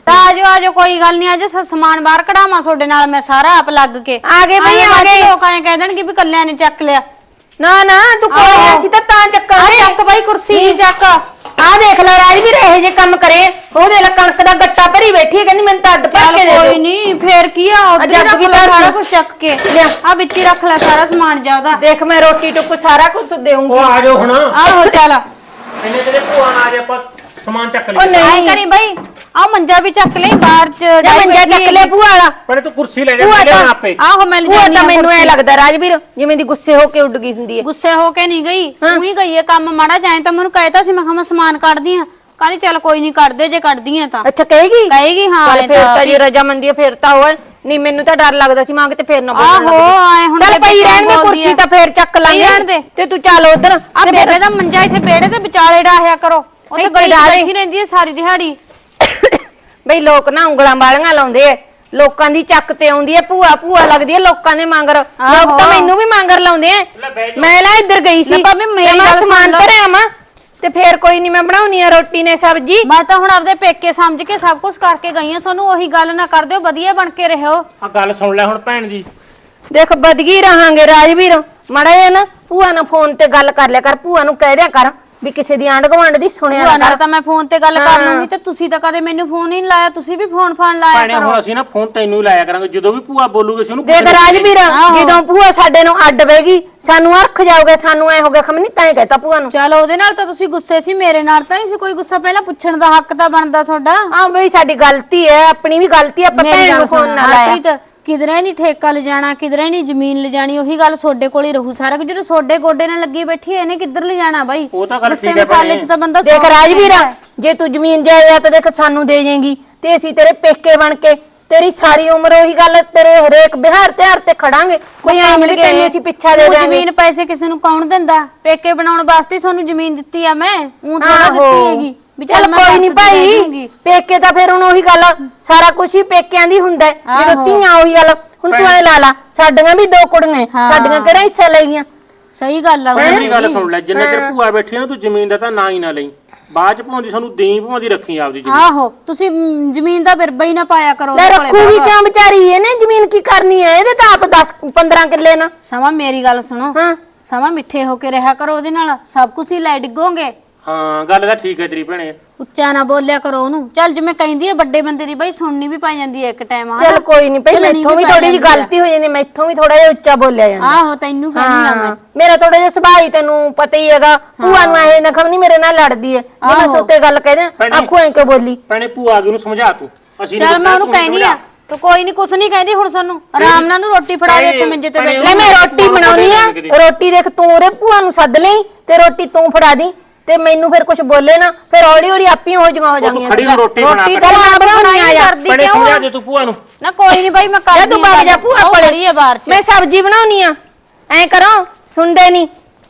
Speaker 4: ਤਾਂ ਆਜੋ ਕੋਈ ਗੱਲ ਨਹੀਂ, ਅੱਜ ਸਮਾਨ ਬਾਹਰ ਕਢਾਵਾਂ ਤੁਹਾਡੇ ਨਾਲ ਮੈਂ ਸਾਰਾ ਆਪ ਲੱਗ ਕੇ।
Speaker 2: ਆ ਗਏ ਬਈ, ਆ ਗਏ।
Speaker 4: ਲੋਕ ਐਂ ਕਹਿ ਦੇਣਗੇ ਵੀ ਕੱਲਿਆਂ ਨੇ ਚੱਕ ਲਿਆ।
Speaker 2: ਨਾ ਤੂੰ ਕੋਈ ਅਸੀਂ ਤਾਂ ਚੱਕਾਂਗੇ।
Speaker 4: ਚੱਕ ਬਾਈ ਕੁਰਸੀ ਦੀ ਚੱਕ।
Speaker 2: ਆ ਦੇਖ ਲੈ ਰਾਜਵੀਰ ਇਹੋ ਜੇ ਕੰਮ ਕਰੇ, ਉਹਦੇ ਲ ਕਣਕ ਦਾ ਗੱਟਾ ਭਰੀ ਬੈਠੀ ਹੈ, ਕਹਿੰਦੀ ਮੈਨੂੰ ਤਾਂ ਅੱਡ ਭਰ ਕੇ ਦੇ
Speaker 4: ਕੋਈ
Speaker 2: ਦਿਓ।
Speaker 4: ਨਹੀਂ ਫੇਰ ਕੀ ਆ, ਉਧਰ
Speaker 2: ਜੱਗ ਵੀ
Speaker 4: ਸਾਰਾ
Speaker 2: ਧਰ
Speaker 4: ਕੁਝ ਚੱਕ ਕੇ ਆ ਵਿੱਚ ਹੀ ਰੱਖ ਲੈ ਸਾਰਾ ਸਮਾਨ ਜਾ ਉਹਦਾ।
Speaker 2: ਦੇਖ ਮੈਂ ਰੋਟੀ ਟੁੱਕ ਸਾਰਾ ਕੁਝ ਦੇਵਾਂਗੀ।
Speaker 3: ਉਹ ਆ ਜਾਓ ਹੁਣ,
Speaker 4: ਆਹੋ ਚੱਲ
Speaker 3: ਇੰਨੇ ਤੇਰੇ ਭੂਆ ਨਾਲ ਆ ਜਾ, ਆਪਾਂ ਸਮਾਨ ਚੱਕ
Speaker 2: ਉਹ
Speaker 3: ਲਈਏ।
Speaker 2: ਨਹੀਂ
Speaker 4: ਆਈ ਕਰੀ ਬਾਈ, ਆ ਮੰਜਾ ਵੀ ਚੱਕ ਲਈ ਬਾਹਰ ਚ
Speaker 2: ਜਾਂ ਮੰਜਾ ਚੱਕ ਲੈ ਭੂਆ ਵਾਲਾ।
Speaker 3: ਪਰ ਤੂੰ ਕੁਰਸੀ ਲੈ ਜਾ,
Speaker 2: ਭੂਆ
Speaker 3: ਲੈ
Speaker 2: ਤਾਂ
Speaker 3: ਆਪੇ।
Speaker 4: ਆਹੋ ਮੈਂ
Speaker 2: ਭੂਆ ਤਾਂ ਮੈਨੂੰ ਐ ਲੱਗਦਾ ਰਾਜਵੀਰ ਜਿਵੇਂ ਦੀ ਗੁੱਸੇ ਹੋ ਕੇ ਉੱਡ ਗਈ ਹੁੰਦੀ ਹੈ।
Speaker 4: ਗੁੱਸੇ ਹੋ ਕੇ ਨਹੀਂ ਗਈ, ਤੂੰ ਹੀ ਗਈ ਹੈ ਕੰਮ ਮਾੜਾ ਜਾਏ ਤਾਂ ਮੈਨੂੰ ਕਹਿਤਾ ਸੀ, ਮੈਂ ਕਿਹਾ ਮੈਂ ਸਮਾਨ ਕੱਢਦੀ ਆ। ਕਹਿੰਦੀ ਚੱਲ ਕੋਈ ਨਹੀਂ ਕੱਢਦੇ ਜੇ ਕੱਢਦੀ ਆ ਤਾਂ।
Speaker 2: ਅੱਛਾ ਕਹੇਗੀ
Speaker 4: ਹਾਂ
Speaker 2: ਚੱਲ ਫੇਰ ਤਾਂ ਜੇ ਰਜਾਮੰਦੀ ਹੈ ਫੇਰ ਤਾਂ ਹੋਏ ਨਹੀਂ, ਮੈਨੂੰ ਤਾਂ ਡਰ ਲੱਗਦਾ ਸੀ ਮਾਂ ਕਿਤੇ ਫੇਰ ਨਾ
Speaker 4: ਆਹੋ ਆਏ ਹੁਣ
Speaker 2: ਚੱਲ ਪਈ ਰਹਿਣ ਦੇ ਕੁਰਸੀ ਤਾਂ ਫੇਰ ਚੱਕ ਲਾਂਗੇ ਤੇ ਤੂੰ ਚੱਲ ਉਧਰ।
Speaker 4: ਆ ਬੇਬੇ ਦਾ ਮੰਜਾ ਇੱਥੇ ਬੇੜੇ ਤੇ ਵਿਚਾਲੇ ਡਾਹਿਆ ਕਰੋ, ਉੱਥੇ
Speaker 2: ਇੱਥੇ
Speaker 4: ਗਲੀ
Speaker 2: ਡਾਹ ਦੇ।
Speaker 4: ਬੈਠੀ ਰਹਿੰਦੀ ਹੈ ਸਾਰੀ ਦਿਹਾੜੀ।
Speaker 2: ਬਈ ਲੋਕ ਨਾ ਉਂਗਲਾਂ ਵਾਲੀਆਂ ਲਾਉਂਦੇ ਐ, ਲੋਕਾਂ ਦੀ ਚੱਕ ਤੇ ਆਉਂਦੀ ਐ ਭੂਆ ਲੱਗਦੀ ਐ ਲੋਕਾਂ ਦੇ ਮੰਗਰ। ਲੋਕ ਤਾਂ ਮੈਨੂੰ ਵੀ ਮੰਗਰ ਲਾਉਂਦੇ ਐ। ਮੈਂ ਨਾ ਇੱਧਰ ਗਈ ਸੀ,
Speaker 4: ਭਾਬੀ ਮੇਰੀ
Speaker 2: ਮੈਂ
Speaker 4: ਗੱਲ ਸੁਣ
Speaker 2: ਸਮਾਨ
Speaker 4: ਲਓ।
Speaker 2: ਭਰਿਆ ਮਾਂ ਤੇ ਫੇਰ ਕੋਈ ਨਹੀਂ ਮੈਂ ਬਣਾਉਣੀ ਆ ਰੋਟੀ ਨੇ ਸਬਜ਼ੀ।
Speaker 4: ਮੈਂ ਤਾਂ ਹੁਣ ਆਪਦੇ ਪੇਕੇ ਸਮਝ ਕੇ ਸਭ ਕੁਝ ਕਰਕੇ ਗਈ ਆ, ਤੁਹਾਨੂੰ ਉਹੀ ਗੱਲ ਨਾ ਕਰ ਦਿਓ, ਵਧੀਆ ਬਣ ਕੇ ਰਹੋ।
Speaker 3: ਆ ਗੱਲ ਸੁਣ ਲੈ ਹੁਣ ਭੈਣ ਦੀ।
Speaker 2: ਦੇਖ ਬਦਗੀ ਰਹਾਂਗੇ ਰਾਜਵੀਰ, ਮੜਾ ਜਿਹਾ ਨਾ ਭੂਆ ਨਾਲ ਫੋਨ ਤੇ ਗੱਲ ਕਰ ਲਿਆ ਕਰ, ਭੂਆ ਨੂੰ ਕਹਿ ਦਿਆ ਕਰ ਵੀ ਕਿਸੇ ਦੀ ਆਂਢ ਗੁਆਂਢ ਦੀ ਸੁਣਿਆ
Speaker 4: ਭੂਆ
Speaker 2: ਨਾ
Speaker 4: ਨਾਲ
Speaker 2: ਕਰ।
Speaker 4: ਤਾਂ ਮੈਂ ਫੋਨ ਤੇ ਗੱਲ ਕਰ ਲੂੰਗੀ, ਤੇ ਤੁਸੀਂ ਤਾਂ ਕਦੇ ਮੈਨੂੰ ਫੋਨ ਹੀ ਨਹੀਂ ਲਾਇਆ, ਤੁਸੀਂ ਵੀ ਫੋਨ ਲਾਇਆ
Speaker 3: ਭੈਣੇ
Speaker 4: ਕਰੋ।
Speaker 3: ਹੁਣ ਅਸੀਂ ਨਾ ਫੋਨ ਤੈਨੂੰ ਹੀ ਲਾਇਆ ਕਰਾਂਗੇ, ਜਦੋਂ ਵੀ ਭੂਆ ਬੋਲੂਗੇ ਅਸੀਂ ਉਹਨੂੰ
Speaker 2: ਦੇਖ ਰਾਜਵੀਰ, ਜਦੋਂ ਭੂਆ ਸਾਡੇ ਨੂੰ ਅੱਡ ਬੈਗੀ ਸਾਨੂੰ ਅਰਖ ਜਾਓਗੇ, ਸਾਨੂੰ ਐ ਹੋ ਗਿਆ ਖਮਨੀ ਤਾਂ ਕਹਿਤਾ ਭੂਆ ਨੂੰ।
Speaker 4: ਚਲੋ ਉਹਦੇ ਨਾਲ ਤਾਂ ਤੁਸੀਂ ਗੁੱਸੇ ਸੀ, ਮੇਰੇ ਨਾਲ ਤਾਂ ਨਹੀਂ ਸੀ ਕੋਈ ਗੁੱਸਾ, ਪਹਿਲਾਂ ਪੁੱਛਣ ਦਾ ਹੱਕ ਤਾਂ ਬਣਦਾ ਤੁਹਾਡਾ।
Speaker 2: ਹਾਂ ਬਈ ਸਾਡੀ ਗਲਤੀ ਹੈ, ਆਪਣੀ ਵੀ ਗਲਤੀ, ਆਪਾਂ ਭੈਣ ਨੂੰ ਫੋਨ ਨਾ ਲਾਇਆ।
Speaker 4: ਕਿਧਰੇ ਨਹੀਂ ਠੇਕਾ ਲਿਜਾਣਾ, ਕਿਧਰੇ ਨਹੀਂ ਜ਼ਮੀਨ ਲਿਜਾਣੀ, ਉਹੀ ਗੱਲ ਤੁਹਾਡੇ ਕੋਲ ਹੀ ਰਹੂ ਸਾਰਾ ਕੁਝ। ਜਦੋਂ ਤੁਹਾਡੇ ਗੋਡੇ ਨਾਲ ਲੱਗੀ ਬੈਠੀ ਇਹਨੇ ਕਿੱਧਰ ਲਿਜਾਣਾ ਬਾਈ?
Speaker 3: ਉਹ ਤਾਂ ਗੱਲ
Speaker 4: ਗੁੱਸੇ
Speaker 3: ਠੀਕ ਹੈ
Speaker 4: ਮਸਾਲੇ 'ਚ ਤਾਂ ਬੰਦਾ
Speaker 2: ਦੇਖ ਰਾਜਵੀਰ, ਜੇ ਤੂੰ ਜ਼ਮੀਨ ਜਾਇਦਾਦ ਦੇਖ ਸਾਨੂੰ ਦੇ ਜਾਏਗੀ ਤੇ ਅਸੀਂ ਤੇਰੇ ਪੇਕੇ ਬਣ ਕੇ ਤੇਰੀ ਸਾਰੀ ਉਮਰ ਉਹੀ ਗੱਲ ਤੇਰੇ ਹਰੇਕ ਬਿਹਾਰ ਤਿਉਹਾਰ ਤੇ ਖੜਾਂਗੇ। ਕੋਈ ਐਂ ਨਹੀਂ ਤੈਨੂੰ ਅਸੀਂ ਪਿੱਛਾ ਦੇ ਦਾਂਗੇ।
Speaker 4: ਜ਼ਮੀਨ ਪੈਸੇ ਕਿਸੇ ਨੂੰ ਕੌਣ ਦਿੰਦਾ? ਪੇਕੇ ਬਣਾਉਣ ਵਾਸਤੇ ਤੁਹਾਨੂੰ ਜ਼ਮੀਨ ਦਿੱਤੀ ਆ ਮੈਂ, ਉਹ ਥੋੜਾ ਦਿੱਤੀ ਹੈਗੀ ਵੀ
Speaker 2: ਚੱਲ ਕੋਈ ਨਹੀਂ ਭਾਈ, ਪੇਕੇ ਤਾਂ ਫਿਰ ਹੁਣ ਉਹੀ ਗੱਲ ਸਾਰਾ ਕੁਝ ਹੀ ਪੇਕਿਆਂ ਦੀ ਹੁੰਦਾ ਜਦੋਂ ਧੀਆਂ ਉਹੀ ਗੱਲ। ਹੁਣ ਤੂੰ ਐ ਲਾ ਲਾ, ਸਾਡੀਆਂ ਵੀ ਦੋ ਕੁੜੀਆਂ, ਸਾਡੀਆਂ ਕਿਹੜਾ ਹਿੱਸਾ ਲੈ ਗਈਆਂ?
Speaker 4: ਸਹੀ ਗੱਲ ਆ।
Speaker 3: ਮੇਰੀ ਗੱਲ ਸੁਣ ਲੈ, ਜਿੰਨੇ ਚਿਰ ਭੂਆ ਬੈਠੀ ਨਾ ਤੂੰ ਜ਼ਮੀਨ ਦਾ ਤਾਂ ਨਾਂ ਹੀ ਨਾ ਲਈ, ਬਾਅਦ ਚ ਭਾਉਂਦੀ ਸਾਨੂੰ ਦੇਈ ਭਾਉਂਦੀ ਰੱਖੀ ਆਪਦੀ ਜ਼ਮੀਨ।
Speaker 4: ਆਹੋ ਤੁਸੀਂ ਜ਼ਮੀਨ ਦਾ ਬਿਰਬਾ ਹੀ ਨਾ ਪਾਇਆ ਕਰੋ।
Speaker 2: ਲੈ ਰੱਖੂਗੀ ਕਿਉਂ ਵਿਚਾਰੀ, ਇਹਨੇ ਜ਼ਮੀਨ ਕੀ ਕਰਨੀ ਹੈ? ਇਹਦੇ ਤਾਂ ਆਪ 10-15 ਕਿੱਲੇ ਨਾ।
Speaker 4: ਸਮਾਂ ਮੇਰੀ ਗੱਲ ਸੁਣੋ,
Speaker 2: ਹਾਂ
Speaker 4: ਸਮਾਂ ਮਿੱਠੇ ਹੋ ਕੇ ਰਿਹਾ ਕਰੋ, ਉਹਦੇ ਨਾਲ ਸਭ ਕੁਝ ਹੀ ਲੈ ਡਿੱਗੋਗੇ।
Speaker 3: ਹਾਂ ਗੱਲ ਤਾਂ ਠੀਕ ਹੈ ਤੇਰੀ ਭੈਣੇ।
Speaker 4: ਉੱਚਾ ਨਾ ਬੋਲਿਆ ਕਰੋ ਉਹਨੂੰ। ਚੱਲ ਜਿਵੇਂ ਕਹਿੰਦੀ ਹੈ ਵੱਡੇ ਬੰਦੇ ਦੀ ਬਾਈ ਸੁਣਨੀ ਵੀ ਪੈ ਜਾਂਦੀ ਹੈ ਇੱਕ ਟਾਈਮ।
Speaker 2: ਚੱਲ ਕੋਈ ਨਹੀਂ ਭਾਈ, ਮੈਥੋਂ ਵੀ ਥੋੜੀ ਜਿਹੀ ਗਲਤੀ ਹੋ ਜਾਂਦੀ, ਮੈਥੋਂ ਵੀ ਥੋੜਾ ਜਿਹਾ ਉੱਚਾ ਬੋਲਿਆ ਜਾਂਦਾ।
Speaker 4: ਆਹੋ ਤੈਨੂੰ ਕਹਿੰਦੀ ਆ ਮੈਂ।
Speaker 2: ਮੇਰਾ ਥੋੜਾ ਜਿਹਾ ਸੁਭਾਅ ਹੀ ਤੈਨੂੰ ਪਤਾ ਹੀ ਹੈਗਾ, ਭੂਆ ਨੂੰ ਐ ਨਖਮ ਨਹੀਂ ਮੇਰੇ ਨਾਲ ਲੜਦੀ ਐ, ਜੇ ਮੈਂ ਸੋਤੇ ਗੱਲ ਕਹਿ ਦਿਆਂ ਆਖੂ ਐਂ ਕਿਉਂ ਬੋਲੀ?
Speaker 3: ਭੈਣੇ ਭੂਆ ਆ ਗਈ, ਉਹਨੂੰ ਸਮਝਾ ਤੂੰ। ਅਸੀਂ
Speaker 4: ਚੱਲ ਮੈਂ ਉਹਨੂੰ ਕਹਿੰਦੀ ਆ, ਤੂੰ ਕੋਈ ਨਹੀਂ ਕੁਛ ਨਹੀਂ ਕਹਿੰਦੀ ਹੁਣ ਸਾਨੂੰ। ਆਰਾਮ ਨਾਲ ਨੂੰ ਰੋਟੀ ਫੜਾ ਦੇ ਇੱਥੇ ਮੰਜੇ ਤੇ ਬੈਠ।
Speaker 2: ਲੈ ਮੈਂ ਰੋਟੀ ਬਣਾਉਣੀ ਆ, ਰੋਟੀ ਦੇਖ ਤੂੰ ਉਹਦੇ ਭੂਆ ਨੂੰ ਸੱਦ ਲਈ ਤੇ ਰੋਟੀ ਤੂੰ ਫੜਾ ਦੀ ਤੇ ਮੈਨੂੰ ਫਿਰ ਕੁਝ ਬੋਲੇ ਨਾ, ਫਿਰ ਹੌਲੀ ਹੌਲੀ ਆਪੀ ਹੋ ਜਾਣਗੀਆਂ।
Speaker 3: ਖੜੀ ਹੋ ਰੋਟੀ ਬਣਾ ਕੇ।
Speaker 2: ਚੱਲ ਮੈਂ ਬਣਾਉਣੀ ਆ ਯਾਰ।
Speaker 3: ਭੈਣੇ ਸਮਝਾ ਦੇ ਤੂੰ ਭੂਆ ਨੂੰ।
Speaker 4: ਨਾ ਕੋਈ ਨਹੀਂ ਬਾਈ ਮੈਂ
Speaker 2: ਜਾ
Speaker 4: ਕਰਦੀ
Speaker 2: ਤੂੰ ਬਾਗ ਜਾ, ਭੂਆ
Speaker 4: ਪੜੀ ਹੈ ਬਾਹਰ ਚ।
Speaker 2: ਮੈਂ ਸਬਜ਼ੀ ਬਣਾਉਣੀ ਆ, ਐਂ ਕਰੋ ਸੁਣਦੇ ਨਹੀਂ।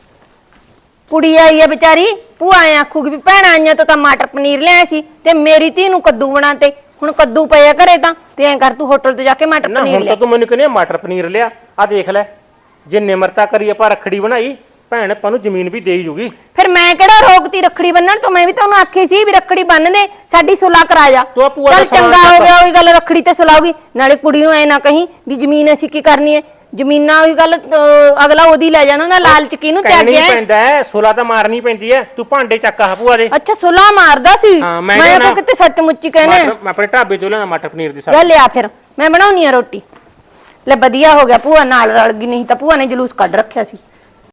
Speaker 2: ਕੁੜੀ ਆਈ ਆ ਵਿਚਾਰੀ, ਭੂਆ ਐ ਆਖੂਗੀ ਵੀ ਭੈਣਾਂ ਆਈਆਂ ਤਾਂ ਮਟਰ ਪਨੀਰ ਲਿਆਇਆ ਸੀ ਤੇ ਮੇਰੀ ਧੀ ਨੂੰ ਕੱਦੂ ਬਣਾ ਤੇ ਹੁਣ ਕੱਦੂ ਪਿਆ ਘਰੇ ਤਾਂ ਤੇ ਐਂ ਕਰ ਤੂੰ ਹੋਟਲ ਤੋਂ ਜਾ ਕੇ ਮਟਰ ਪਨੀਰ
Speaker 3: ਹੁਣ ਤਾਂ ਤੂੰ ਮੈਨੂੰ ਕਹਿੰਦੀ ਮਟਰ ਪਨੀਰ ਲਿਆ। ਆ ਦੇਖ ਲੈ, ਜੇ ਨਿਮਰਤਾ ਕਰੀ ਆਪਾਂ ਰੱਖੜੀ ਬਣਾਈ, ਭੈਣ ਆਪਾਂ ਨੂੰ ਜ਼ਮੀਨ ਵੀ ਦੇ ਜੂਗੀ।
Speaker 2: ਫਿਰ ਮੈਂ ਕਿਹੜਾ ਰੋਕਤੀ ਰੱਖੜੀ ਬੰਨਣ ਤੋਂ? ਮੈਂ ਵੀ ਤੁਹਾਨੂੰ ਆਖੀ ਸੀ ਵੀ ਰੱਖੜੀ ਬੰਨ ਦੇ, ਸਾਡੀ ਸੁਲਾ ਕਰਾ ਜਾ।
Speaker 3: ਤੂੰ ਭੂਆ ਦਾ
Speaker 2: ਚੱਲ ਚੰਗਾ
Speaker 3: ਸਮਾਨ
Speaker 2: ਹੋ ਗਿਆ, ਉਹੀ ਗੱਲ ਰੱਖੜੀ ਤੇ ਸੁਲਾਉਗੀ। ਨਾਲੇ ਕੁੜੀ ਨੂੰ ਐ ਨਾ ਕਹੀਂ ਵੀ ਜ਼ਮੀਨ ਅਸੀਂ ਕੀ ਕਰਨੀ ਹੈ, ਜ਼ਮੀਨਾਂ ਉਹੀ ਗੱਲ ਅਗਲਾ ਉਹਦੀ ਲੈ ਜਾਣਾ ਨਾ, ਲਾਲਚ ਕਿਹਨੂੰ
Speaker 3: ਕਹਿਣੀ
Speaker 2: ਤਿਆਗਿਆ?
Speaker 3: ਪੈਂਦਾ ਹੈ, ਸੁਲਾ ਤਾਂ ਮਾਰਨੀ ਪੈਂਦੀ ਹੈ। ਤੂੰ ਭਾਂਡੇ ਚੱਕ ਆ ਭੂਆ ਦੇ।
Speaker 2: ਅੱਛਾ ਸੁਲਾ ਮਾਰਦਾ ਸੀ,
Speaker 3: ਹਾਂ,
Speaker 2: ਮੈਂ
Speaker 3: ਮੈਂ
Speaker 2: ਤਾਂ ਕਿਤੇ ਸੱਚ ਮੁੱਚੀ ਕਹਿੰਦੇ।
Speaker 3: ਮੈਂ ਆਪਣੇ ਢਾਬੇ ਤੋਂ ਲੈਣਾ ਮਟਰ ਪਨੀਰ ਦੀ
Speaker 2: ਲੈ
Speaker 3: ਸਬਜ਼ੀ।
Speaker 2: ਲਿਆ ਫਿਰ ਮੈਂ ਬਣਾਉਣੀ ਆ ਰੋਟੀ। ਲੈ ਵਧੀਆ ਹੋ ਗਿਆ ਭੂਆ ਨਾਲ ਰਲ ਗਈ, ਨਹੀਂ ਤਾਂ ਭੂਆ ਨੇ ਜਲੂਸ ਕੱਢ ਰੱਖਿਆ ਸੀ।